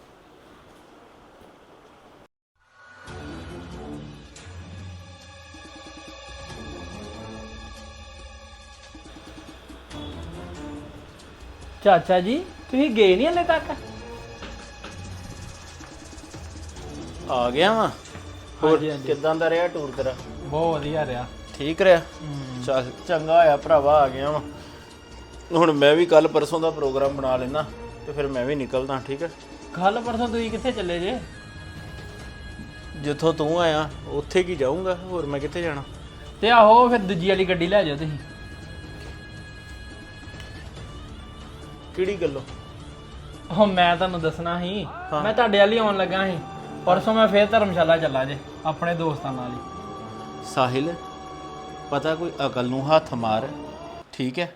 ਚਾਚਾ ਜੀ ਤੁਸੀਂ ਗਏ ਨਹੀਂ ਹਲੇ ਤੱਕ? ਆ ਗਿਆ ਵਾ। ਹੋਰ ਕਿੱਦਾਂ ਦਾ ਰਿਹਾ ਟੂਰ ਤੇਰਾ?
ਬਹੁਤ ਵਧੀਆ ਰਿਹਾ।
ਠੀਕ ਰਿਹਾ? ਚੱਲ ਚੰਗਾ ਹੋਇਆ ਭਰਾਵਾ ਆ ਗਿਆ ਵਾ। ਹੁਣ ਮੈਂ ਵੀ ਕੱਲ ਪਰਸੋਂ ਦਾ ਪ੍ਰੋਗਰਾਮ ਬਣਾ ਲੈਣਾ, ਤੇ ਫਿਰ ਮੈਂ ਵੀ ਨਿਕਲਦਾ। ਠੀਕ ਹੈ?
ਕੱਲ ਪਰਸੋਂ ਤੁਸੀਂ ਕਿੱਥੇ ਚੱਲੇ ਜੇ?
ਜਿੱਥੋਂ ਤੂੰ ਆਇਆ ਉੱਥੇ ਕੀ ਜਾਊਂਗਾ, ਹੋਰ ਮੈਂ ਕਿੱਥੇ ਜਾਣਾ?
ਤੇ ਆਹੋ ਫਿਰ ਦੂਜੀ ਵਾਲੀ ਗੱਡੀ ਲੈ ਜਾਓ ਤੁਸੀਂ।
ਕਿਹੜੀ ਗੱਲੋਂ?
ਉਹ ਮੈਂ ਤੁਹਾਨੂੰ ਦੱਸਣਾ ਸੀ, ਮੈਂ ਤੁਹਾਡੇ ਵਾਲੀ ਆਉਣ ਲੱਗਾ ਸੀ। ਪਰਸੋਂ ਮੈਂ ਫੇਰ ਧਰਮਸ਼ਾਲਾ ਚੱਲਾ ਜੇ ਆਪਣੇ ਦੋਸਤਾਂ ਨਾਲ ਹੀ।
ਸਾਹਿਲ, ਪਤਾ ਕੋਈ ਅਕਲ ਨੂੰ ਹੱਥ ਮਾਰ, ਠੀਕ ਹੈ?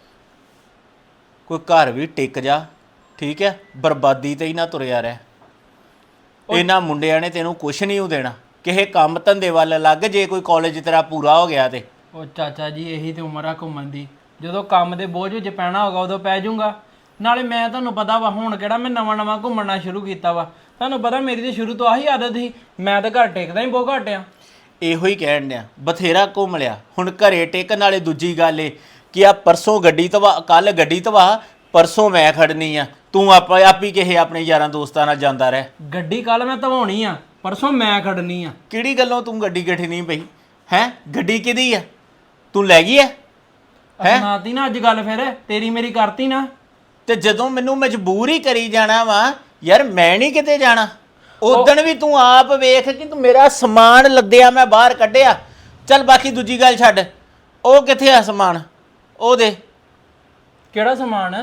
ਕੋਈ ਘਰ ਵੀ ਟਿਕ ਜਾ, ਠੀਕ ਹੈ? ਬਰਬਾਦੀ ਤੇ ਹੀ ਨਾ ਤੁਰਿਆ ਰਹਿ। ਇਹਨਾਂ ਮੁੰਡਿਆਂ ਨੇ ਤੈਨੂੰ ਕੁਛ ਨਹੀਂ ਉਹ ਦੇਣਾ, ਕਿਸੇ ਕੰਮ ਧੰਦੇ ਵੱਲ ਲੱਗ ਜੇ ਕੋਈ ਕਾਲਜ ਤੇਰਾ ਪੂਰਾ ਹੋ ਗਿਆ ਤੇ।
ਉਹ ਚਾਚਾ ਜੀ ਇਹੀ ਤੇ ਉਮਰ ਆ ਘੁੰਮਣ ਦੀ, ਜਦੋਂ ਕੰਮ ਦੇ ਬੋਝ ਵਿੱਚ ਪੈਣਾ ਹੋਗਾ ਉਦੋਂ ਪੈ ਜਾਊਗਾ। ਨਾਲੇ ਮੈਂ ਤੁਹਾਨੂੰ ਪਤਾ ਵਾ ਹੁਣ ਕਿਹੜਾ ਮੈਂ ਨਵਾਂ ਘੁੰਮਣਾ ਸ਼ੁਰੂ ਕੀਤਾ ਵਾ, ਤੁਹਾਨੂੰ ਪਤਾ ਮੇਰੀ ਤੇ ਸ਼ੁਰੂ ਤੋਂ ਆਹੀ ਆਦਤ ਸੀ, ਮੈਂ ਤਾਂ ਘਰ ਟਿਕਦਾ ਹੀ ਬਹੁਤ ਘੱਟ ਆ।
ਇਹੋ ਹੀ ਕਹਿਣ ਡਿਆ, ਬਥੇਰਾ ਘੁੰਮ ਲਿਆ, ਹੁਣ ਘਰੇ ਟਿਕ। ਨਾਲੇ ਦੂਜੀ ਗੱਲ ਏ ਕਿ ਆ ਪਰਸੋਂ ਗੱਡੀ ਤਵਾ, ਕੱਲ ਗੱਡੀ ਤਵਾ, ਪਰਸੋਂ ਮੈਂ ਖੜਨੀ ਆ, ਤੂੰ ਆਪੀ ਕਿਸੇ ਆਪਣੇ ਯਾਰਾਂ ਦੋਸਤਾਂ ਨਾਲ ਜਾਂਦਾ ਰਹਿ।
ਗੱਡੀ ਕੱਲ ਮੈਂ ਧਵਾਉਣੀ ਆ, ਪਰਸੋਂ ਮੈਂ ਖੜਨੀ ਆ।
ਕਿਹੜੀ ਗੱਲੋਂ ਤੂੰ ਗੱਡੀ ਗੱਠੀ ਨਹੀਂ ਪਈ ਹੈ? ਗੱਡੀ ਕਿਹਦੀ ਆ? ਤੂੰ ਲੈ ਗਈ ਆ ਹੈ?
ਸੁਣਾਤੀ ਨਾ ਅੱਜ ਗੱਲ, ਫਿਰ ਤੇਰੀ ਮੇਰੀ ਕਰਤੀ ਨਾ।
ਤੇ ਜਦੋਂ ਮੈਨੂੰ ਮਜਬੂਰ ਹੀ ਕਰੀ ਜਾਣਾ ਵਾ ਯਾਰ, ਮੈਂ ਨਹੀਂ ਕਿਤੇ ਜਾਣਾ। ਉਦਣ ਵੀ ਤੂੰ ਆਪ ਵੇਖ ਕਿ ਤੂੰ ਮੇਰਾ ਸਮਾਨ ਲੱਦਿਆ ਮੈਂ ਬਾਹਰ ਕੱਢਿਆ। ਚੱਲ ਬਾਕੀ ਦੂਜੀ ਗੱਲ ਛੱਡ, ਉਹ ਕਿੱਥੇ ਆ ਸਮਾਨ? ਉਹ ਦੇ।
ਕਿਹੜਾ ਸਮਾਨ?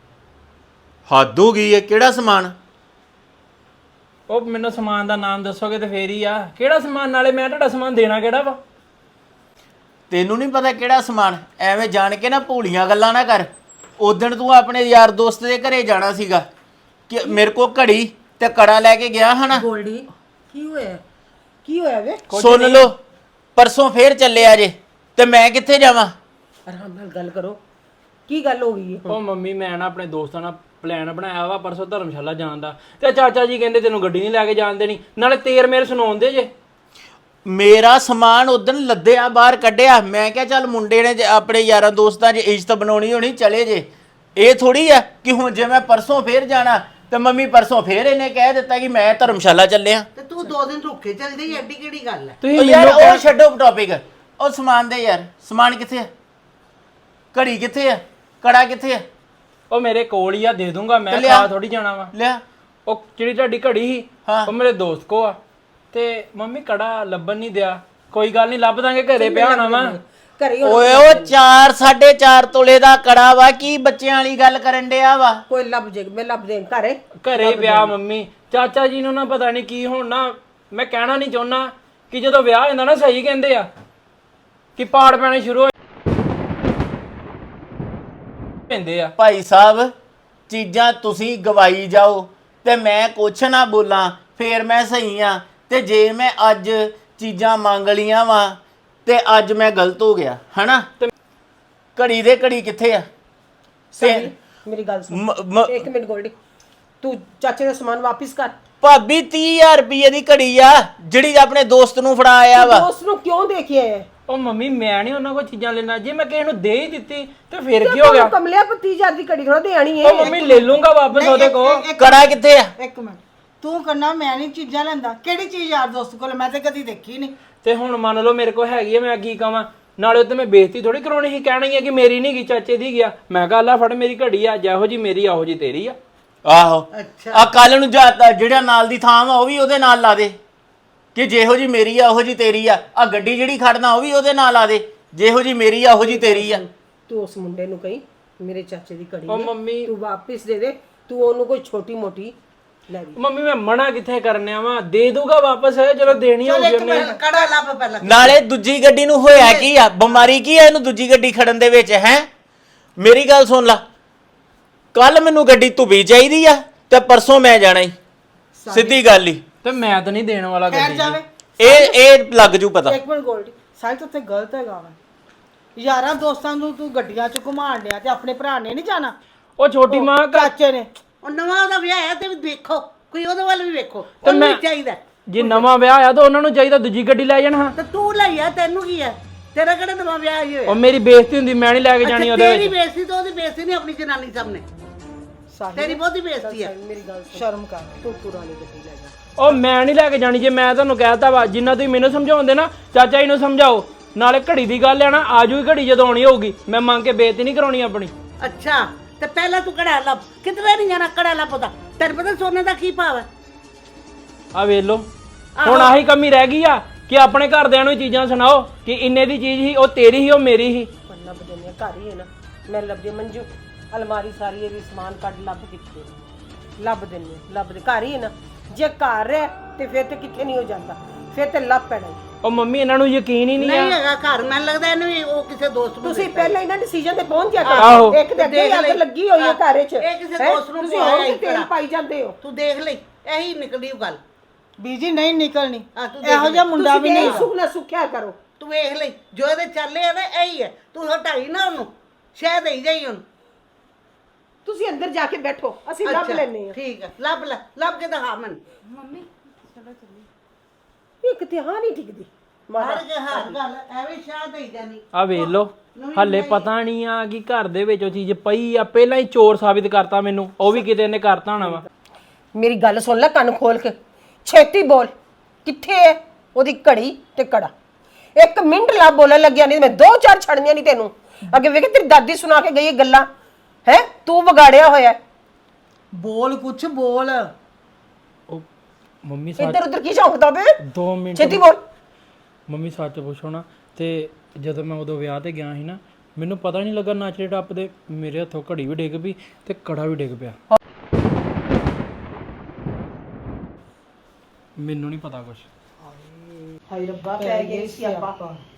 ਹੱਦ ਹੋ ਗਈ ਹੈ, ਕਿਹੜਾ ਸਮਾਨ?
ਉਹ ਮੈਨੂੰ ਸਮਾਨ ਦਾ ਨਾਮ ਦੱਸੋਗੇ ਤੇ ਫੇਰ ਹੀ ਆ। ਕਿਹੜਾ ਸਮਾਨ? ਨਾਲੇ ਮੈਂ ਤੁਹਾਡਾ ਸਮਾਨ ਦੇਣਾ ਕਿਹੜਾ ਵਾ?
ਤੈਨੂੰ ਨਹੀਂ ਪਤਾ ਕਿਹੜਾ ਸਮਾਨ? ਐਵੇਂ ਜਾਣ ਕੇ ਨਾ ਭੂਲੀਆਂ ਗੱਲਾਂ ਨਾ ਕਰ। ਉਦਣ ਤੂੰ ਆਪਣੇ ਯਾਰ ਦੋਸਤ ਦੇ ਘਰੇ ਜਾਣਾ ਸੀਗਾ ਕਿ ਮੇਰੇ ਕੋ ਘੜੀ ਤੇ ਕੜਾ ਲੈ ਕੇ ਗਿਆ ਹਨਾ।
ਗੋਲਡੀ ਕੀ ਹੋਇਆ? ਕੀ ਹੋਇਆ ਵੇ?
ਸੁਣ ਲਓ, ਪਰਸੋਂ ਫੇਰ ਚੱਲਿਆ ਜੇ ਤੇ ਮੈਂ ਕਿੱਥੇ ਜਾਵਾਂ?
ਆਰਾਮ ਨਾਲ ਗੱਲ ਕਰੋ, ਕੀ ਗੱਲ ਹੋ ਗਈ ਹੈ?
ਉਹ ਮੰਮੀ ਮੈਂ ਨਾ ਆਪਣੇ ਦੋਸਤਾਂ ਨਾਲ ਪਲਾਨ ਬਣਾਇਆ ਵਾ ਪਰਸੋਂ ਧਰਮਸ਼ਾਲਾ ਜਾਣ ਦਾ, ਤੇ ਚਾਚਾ ਜੀ ਕਹਿੰਦੇ ਤੈਨੂੰ ਗੱਡੀ ਨਹੀਂ ਲੈ ਕੇ ਜਾਣ ਦੇਣੀ, ਨਾਲੇ ਤੇਰ ਮੇਰੇ ਸੁਣਾਉਂਦੇ ਜੇ।
ਮੇਰਾ ਸਮਾਨ ਉਦਣ ਲੱਦਿਆ ਬਾਹਰ ਕੱਢਿਆ, ਮੈਂ ਕਿਹਾ ਚੱਲ ਮੁੰਡੇ ਨੇ ਆਪਣੇ ਯਾਰਾਂ ਦੋਸਤਾਂ 'ਚ ਇੱਜ਼ਤ ਬਣਾਉਣੀ ਹੋਣੀ, ਚਲੇ ਜੇ। ਇਹ ਥੋੜੀ ਆ ਕਿ ਹੁਣ ਜੇ ਮੈਂ ਪਰਸੋਂ ਫੇਰ ਜਾਣਾ ਤੇ ਮੰਮੀ ਪਰਸੋਂ ਫੇਰ ਇਹਨੇ ਕਹਿ ਦਿੱਤਾ ਕਿ ਮੈਂ ਧਰਮਸ਼ਾਲਾ ਚੱਲਿਆ।
ਤੇ ਤੂੰ 2 ਦਿਨ ਰੁੱਕੇ ਚੱਲ ਜਾਈ, ਐਡੀ ਕਿਹੜੀ ਗੱਲ ਹੈ?
ਉਹ ਯਾਰ ਉਹ ਛੱਡੋ ਟੌਪਿਕ, ਉਹ ਸਮਾਨ ਦੇ ਯਾਰ। ਸਮਾਨ ਕਿੱਥੇ ਆ? ਘੜੀ ਕਿੱਥੇ ਆ? ਕੜਾ ਕਿੱਥੇ ਆ?
ਉਹ ਮੇਰੇ ਕੋਲ ਹੀ ਆ, ਦੇ ਦੂੰਗਾ ਮੈਂ,
ਲਿਆ।
ਖਾ ਥੋੜੀ ਜਾਣਾ ਵਾ।
ਲਿਆ।
ਉਹ ਜਿਹੜੀ ਤੁਹਾਡੀ ਘੜੀ ਸੀ
ਹਾਂ।
ਉਹ ਮੇਰੇ ਦੋਸਤ ਕੋ ਆ, ਤੇ ਮੰਮੀ ਕੜਾ ਲੱਭਣ ਨਹੀਂ ਦਿਆ। ਕੋਈ ਗੱਲ ਨਹੀਂ, ਲੱਭ ਦਾਂਗੇ, ਘਰੇ ਪਿਆ ਹੋਣਾ ਵਾ।
ਘਰੇ
ਓਏ ਉਹ 4.5 ਤੋਲੇ ਦਾ ਕੜਾ ਵਾ, ਕੀ ਬੱਚਿਆਂ ਵਾਲੀ ਗੱਲ ਕਰਨ ਡਿਆ ਵਾ?
ਕੋਈ ਲੱਭ ਜੇ, ਮੈਂ ਲੱਭ ਦੇ ਘਰੇ।
ਘਰੇ ਪਿਆ ਮੰਮੀ। ਚਾਚਾ ਜੀ ਨੂੰ ਨਾ ਪਤਾ ਨਹੀਂ ਕੀ ਹੁਣ ਨਾ, ਮੈਂ ਕਹਿਣਾ ਨਹੀਂ ਚਾਹੁੰਦਾ ਕਿ ਜਦੋਂ ਵਿਆਹ ਹੁੰਦਾ ਨਾ, ਸਹੀ ਕਹਿੰਦੇ ਆ ਕਿ ਪਾੜ ਪੈਣੇ ਸ਼ੁਰੂ ਹੋ ਪੈਂਦੇ ਆ।
ਭਾਈ ਸਾਹਿਬ, ਚੀਜ਼ਾਂ ਤੁਸੀਂ ਗਵਾਈ ਜਾਓ ਤੇ ਮੈਂ ਕੁਛ ਨਾ ਬੋਲਾਂ, ਫੇਰ ਮੈਂ ਸਹੀ ਆ। ਤੇ ਜੇ ਮੈਂ ਅੱਜ ਚੀਜ਼ਾਂ ਮੰਗ ਲੀਆਂ ਵਾ ਤੇ ਅੱਜ ਮੈਂ ਗਲਤ ਹੋ ਗਿਆ ਹਨਾ। ਘੜੀ ਦੇ ਘੜੀ ਕਿੱਥੇ ਆ?
ਮੇਰੀ ਗੱਲ ਸੁਣ, ਇੱਕ ਮਿੰਟ ਗੋਲਡੀ, ਤੂੰ ਚਾਚੇ ਦਾ ਸਮਾਨ ਵਾਪਿਸ ਕਰ।
ਭਾਬੀ 30,000 ਰੁਪਏ ਦੀ ਘੜੀ ਆ ਜਿਹੜੀ ਆਪਣੇ ਦੋਸਤ ਨੂੰ ਫੜਾ ਆਇਆ ਵਾ।
ਦੋਸਤ ਨੂੰ ਕਿਉਂ ਦੇ ਕੇ ਆਇਆ?
ਉਹ ਮੰਮੀ ਮੈਂ ਨਹੀਂ ਉਹਨਾਂ ਕੋਲ ਚੀਜ਼ਾਂ ਲੈਣਾ, ਜੇ ਮੈਂ ਕਿਸੇ ਨੂੰ ਦੇ ਹੀ ਦਿੱਤੀ ਤੇ ਫਿਰ ਕੀ ਹੋ ਗਿਆ?
ਕਮਲਿਆ 30,000 ਦੀ ਘੜੀ ਥੋੜਾ ਦੇਣੀ ਹੈ।
ਉਹ ਮੰਮੀ ਲੈ ਲੂੰਗਾ ਵਾਪਸ ਉਹਦੇ ਕੋਲ।
ਕੜਾ ਕਿੱਥੇ ਆ?
ਇੱਕ ਮਿੰਟ, ਤੂੰ ਕਰਨਾ, ਮੈਂ ਨਹੀਂ ਚੀਜ਼ਾਂ ਲੈਂਦਾ। ਕਿਹੜੀ ਚੀਜ਼ ਯਾਰ ਦੋਸਤ ਕੋਲ? ਮੈਂ ਤੇ ਕਦੀ ਦੇਖੀ ਨਹੀਂ।
ਤੇ ਹੁਣ ਮੰਨ ਲਓ ਮੇਰੇ ਕੋਲ ਹੈਗੀ ਆ, ਮੈਂ ਕੀ ਕਵਾਂ? ਨਾਲੇ ਉੱਤੇ ਮੈਂ ਬੇਇੱਜ਼ਤੀ ਥੋੜੀ ਕਰਾਉਣੀ ਸੀ, ਕਹਿਣਾ ਹੀ ਆ ਕਿ ਮੇਰੀ ਨਹੀਂ ਗਈ, ਚਾਚੇ ਦੀ ਗਿਆ। ਮੈਂ ਕਿਹਾ ਲੈ ਫੜ, ਮੇਰੀ ਘੜੀ ਆ, ਜਿਹੋ ਜੀ ਮੇਰੀ ਆਹੋ ਜੀ ਤੇਰੀ ਆ।
ਆਹੋ, ਆ ਕੱਲ ਨੂੰ ਜਾਤਾ ਜਿਹੜਾ ਨਾਲ ਦੀ ਥਾਂ ਵਾ ਉਹ ਵੀ ਉਹਦੇ ਨਾਲ ਲਾ ਦੇ ਕਿ ਜਿਹੋ ਜੀ ਮੇਰੀ ਆ ਉਹੋ ਜੀ ਤੇਰੀ ਆ। ਆ ਗੱਡੀ ਜਿਹੜੀ ਖੜਨਾ ਉਹ ਵੀ ਉਹਦੇ ਨਾਲ ਲਾ ਦੇ, ਜਿਹੋ ਜੀ ਮੇਰੀ ਆ ਉਹੋ ਜੀ ਤੇਰੀ ਆ।
ਤੂੰ ਉਸ ਮੁੰਡੇ ਨੂੰ ਕਹੀਂ ਮੇਰੇ ਚਾਚੇ ਦੀ ਘੜੀ
ਉਹ
ਹੈ,
ਮੰਮੀ
ਤੂੰ ਵਾਪਿਸ ਦੇ ਦੇ। ਤੂੰ ਉਹਨੂੰ ਕੋਈ ਛੋਟੀ ਮੋਟੀ ਲੈ ਦੇ।
ਮੰਮੀ ਮੈਂ ਮਨਾ ਕਿੱਥੇ ਕਰਨਿਆ ਵਾ, ਦੇ ਦੂਗਾ ਵਾਪਸ, ਜਦੋਂ ਦੇਣੀ ਹੋਊਗੀ ਉਹਨੇ।
ਕੜਾ ਲੱਭ ਪਹਿਲਾਂ।
ਨਾਲੇ ਦੂਜੀ ਗੱਡੀ ਨੂੰ ਹੋਇਆ ਕੀ ਆ? ਬਿਮਾਰੀ ਕੀ ਆ ਇਹਨੂੰ ਦੂਜੀ ਗੱਡੀ ਖੜਨ ਦੇ ਵਿੱਚ? ਹੈ ਮੇਰੀ ਗੱਲ ਸੁਣ ਲਾ, ਕੱਲ ਮੈਨੂੰ ਗੱਡੀ ਧੁੱਬੀ ਚਾਹੀਦੀ ਆ ਤੇ ਪਰਸੋਂ ਮੈਂ ਜਾਣਾ ਹੀ, ਸਿੱਧੀ ਗੱਲ ਹੀ।
ਤੇ ਮੈਂ ਤਾਂ ਨਹੀਂ ਦੇਣ ਵਾਲਾ ਗੱਡੀ
ਜਾਵੇ।
ਇਹ ਲੱਗ ਜੂ ਪਤਾ।
ਇੱਕ ਮਿੰਟ ਗੋਲਡੀ, ਸਾਈਂ ਤਾਂ ਉੱਥੇ ਗਲਤ ਹੈਗਾ ਵਾ। ਯਾਰਾਂ ਦੋਸਤਾਂ ਨੂੰ ਤੂੰ ਗੱਡੀਆਂ 'ਚ ਘੁਮਾਣ ਡਿਆ ਤੇ ਆਪਣੇ ਭਰਾ ਨੇ ਨਹੀਂ ਜਾਣਾ?
ਉਹ ਛੋਟੀ ਮਾਂ
ਚਾਚੇ ਨੇ।
ਉਹ ਨਵਾਂ ਉਹਦਾ ਵਿਆਹ ਹੈ ਤੇ ਵੀ ਦੇਖੋ, ਕੋਈ ਉਹਦੇ ਵੱਲ ਵੀ ਵੇਖੋ, ਉਹਨੂੰ ਵੀ ਚਾਹੀਦਾ।
ਜੇ ਨਵਾਂ ਵਿਆਹ ਆ ਤਾਂ ਉਹਨਾਂ ਨੂੰ ਚਾਹੀਦਾ ਦੂਜੀ ਗੱਡੀ ਲੈ ਜਾਣ। ਹਾਂ,
ਤੇ ਤੂੰ ਲਈ ਆ, ਤੈਨੂੰ ਕੀ ਹੈ? ਤੇਰਾ ਕਿਹੜਾ ਨਵਾਂ ਵਿਆਹ ਹੀ ਹੋਇਆ?
ਉਹ ਮੇਰੀ ਬੇਇੱਜ਼ਤੀ ਹੁੰਦੀ, ਮੈਂ ਨਹੀਂ ਲੈ ਕੇ ਜਾਣੀ ਉਹਦੇ
ਤੇਰੀ
ਵਿੱਚ।
ਬੇਇੱਜ਼ਤੀ ਤਾਂ ਉਹਦੀ ਬੇਇੱਜ਼ਤੀ ਨਹੀਂ, ਆਪਣੀ ਜਨਾਨੀ ਸਾਹਮਣੇ ਤੇਰੀ ਬਹੁਤੀ ਬੇਇੱਜ਼ਤੀ ਹੈ।
ਮੇਰੀ ਗੱਲ ਸੁਣ,
ਸ਼ਰਮ ਕਰ।
ਤੂੰ ਪੁਰਾਣੀ ਗੱਡੀ ਲੈ ਜਾ।
ਉਹ ਮੈਂ ਨਹੀਂ ਲੈ ਕੇ ਜਾਣੀ, ਜੇ ਮੈਂ ਤੁਹਾਨੂੰ ਕਹਿਤਾ ਵਾ ਜਿੰਨਾ ਤੁਸੀਂ ਮੈਨੂੰ ਸਮਝਾਉਂਦੇ ਨਾ, ਚਾਚਾ ਜੀ ਨੂੰ ਸਮਝਾਓ। ਨਾਲੇ ਘੜੀ ਦੀ ਗੱਲ ਹੈ ਨਾ, ਆਜੂਗੀ ਘੜੀ ਜਦੋਂ ਆਉਣੀ ਹੋਊਗੀ, ਮੈਂ ਮੰਗ ਕੇ ਬੇਇੱਜ਼ਤੀ ਨਹੀਂ ਕਰਾਉਣੀ ਆਪਣੀ।
ਅੱਛਾ, ਤੇ ਪਹਿਲਾਂ ਤੂੰ ਕੜਾ ਲੱਭ, ਕਿਧਰੇ ਨਹੀਂ ਜਾਣਾ, ਕੜਾ ਲੱਭ ਉਹਦਾ। ਤੈਨੂੰ ਪਤਾ ਸੋਨੇ ਦਾ ਕੀ ਭਾਵ ਹੈ?
ਆ ਵੇਖ ਲਓ, ਹੁਣ ਆਹੀ ਕਮੀ ਰਹਿ ਗਈ ਆ ਕਿ ਆਪਣੇ ਘਰਦਿਆਂ ਨੂੰ ਚੀਜ਼ਾਂ ਸੁਣਾਓ ਕਿ ਇੰਨੇ ਦੀ ਚੀਜ਼ ਸੀ, ਉਹ ਤੇਰੀ ਸੀ, ਉਹ ਮੇਰੀ ਸੀ।
ਲੱਭ ਦਿੰਦੀ ਆ, ਘਰ ਹੀ ਹੈ ਨਾ, ਮੈਂ ਲੱਭਦੀ ਮੰਜੂ ਅਲਮਾਰੀ ਸਾਰੀ ਇਹਦੀ ਸਮਾਨ ਕੱਢ ਲੱਭ ਕਿੱਥੇ ਲੱਭ ਦਿੰਦੀ, ਲੱਭ ਦੇ ਘਰ ਹੀ ਹੈ ਨਾ। ਜੇ ਘਰ ਹੈ ਤੇ ਫਿਰ ਤੇ ਕਿੱਥੇ ਨਹੀਂ ਹੋ ਜਾਂਦਾ, ਫਿਰ ਤੇ ਲੱਭ ਪੈਣਾ।
ਉਹ ਮੰਮੀ ਇਹਨਾਂ ਨੂੰ ਯਕੀਨ ਹੀ ਨਹੀਂ ਆ
ਨਹੀਂ ਹੈਗਾ ਘਰ, ਮੈਨੂੰ ਲੱਗਦਾ ਇਹਨੂੰ ਵੀ ਉਹ ਕਿਸੇ ਦੋਸਤ ਨੂੰ
ਤੁਸੀਂ ਪਹਿਲਾਂ ਇਹਨਾਂ ਡਿਸੀਜਨ ਤੇ ਪਹੁੰਚ ਜਾ
ਆਹੋ।
ਕਰੋ। ਇੱਕ ਤੇ ਅੱਗੇ ਹੀ ਅੱਗ ਲੱਗੀ ਹੋਈ ਹੈ ਘਰ 'ਚ,
ਇਹ ਕਿਸੇ
ਹੈਂ?
ਦੋਸਤ ਨੂੰ
ਤੁਸੀਂ
ਪਵਾਇਆ
ਹੋਰ
ਹੀ
ਤੇ ਤੇਲ
ਕਰਾ।
ਪਾਈ ਜਾਂਦੇ ਹੋ।
ਤੂੰ ਦੇਖ ਲਈ ਇਹੀ ਨਿਕਲੀ ਉਹ ਗੱਲ।
ਬੀਜੀ ਨਹੀਂ ਨਿਕਲਣੀ,
ਹਾਂ, ਤੂੰ
ਇਹੋ ਜਿਹਾ ਮੁੰਡਾ ਵੀ ਨਹੀਂ।
ਸੁਖ ਨਾ ਸੁਖਿਆ ਕਰੋ।
ਤੂੰ ਵੇਖ ਲਈ ਜੋ ਇਹਦੇ ਚੱਲੇ ਆ ਨਾ ਇਹੀ ਹੈ। ਤੂੰ ਹਟਾਈ ਨਾ ਉਹਨੂੰ, ਸ਼ਾਇਦ ਦੇਈ ਜਾਈ ਉਹਨੂੰ।
ਤੁਸੀਂ ਅੰਦਰ ਜਾ ਕੇ ਬੈਠੋ, ਅਸੀਂ ਲੱਭ
ਅੱਛਾ,
ਲੈਨੇ ਆ।
ਠੀਕ ਹੈ, ਲੱਭ ਲੈ, ਲੱਭ ਕੇ ਦਿਖਾ ਮੈਨੂੰ।
ਇੱਕ ਤੇ ਹਾਂ ਨਹੀਂ ਟਿਕਦੀ
ਮਾਰ ਕੇ ਹਰ ਗੱਲ ਐਵੇਂ ਸ਼ਾਇਦ ਦੇਈ ਜਾਨੀ।
ਆ ਵੇਖ ਲੋ ਹੱਲੇ ਪਤਾ ਨਹੀਂ ਆ ਕਿ ਘਰ ਦੇ ਵਿੱਚ ਉਹ ਚੀਜ਼ ਪਈ ਆ, ਪਹਿਲਾਂ ਹੀ ਚੋਰ ਸਾਬਿਤ ਕਰਤਾ ਮੈਨੂੰ, ਉਹ ਵੀ ਕਿਤੇ ਇਹਨੇ ਕਰਤਾ ਹੋਣਾ ਵਾ।
ਮੇਰੀ ਗੱਲ ਸੁਣ ਲੈ ਕੰਨ ਖੋਲ ਕੇ, ਛੇਤੀ ਬੋਲ, ਕਿੱਥੇ ਹੈ ਉਹਦੀ ਘੜੀ ਤੇ ਕੜਾ? 1 ਮਿੰਟ ਲਾ ਬੋਲਣ ਲੱਗਿਆ, ਨਹੀਂ ਮੈਂ 2-4 ਛੜਨੀਆਂ ਨਹੀਂ ਤੈਨੂੰ। ਅੱਗੇ ਵੇਖ ਤੇਰੀ ਦਾਦੀ ਸੁਣਾ ਕੇ ਗਈ ਇਹ ਗੱਲਾਂ, ਹੈ ਤੂੰ ਵਿਗਾੜਿਆ ਹੋਇਆ।
ਬੋਲ ਕੁਛ ਬੋਲ।
ਉਹ ਮੰਮੀ
ਇੱਧਰ ਉੱਧਰ ਕੀ ਝੌਂਕਦਾ ਬੇ?
2 ਮਿੰਟ
ਛੇਤੀ ਬੋਲ।
ਮੰਮੀ ਸੱਚ ਪੁੱਛੋ ਨਾ, ਤੇ ਜਦੋਂ ਮੈਂ ਉਦੋਂ ਵਿਆਹ ਤੇ ਗਿਆ ਸੀ ਨਾ, ਮੈਨੂੰ ਪਤਾ ਨਹੀਂ ਲੱਗਾ ਨੱਚਦੇ ਟੱਪਦੇ ਮੇਰੇ ਹੱਥੋਂ ਘੜੀ ਵੀ ਡਿੱਗ ਪਈ ਤੇ ਕੜਾ ਵੀ ਡਿੱਗ ਪਿਆ। ਮੈਨੂੰ ਨਹੀਂ ਪਤਾ ਕੁਛ।
ਹਾਏ ਰੱਬਾ, ਪੈ ਗਿਆ ਸੀ ਆਪਾਂ।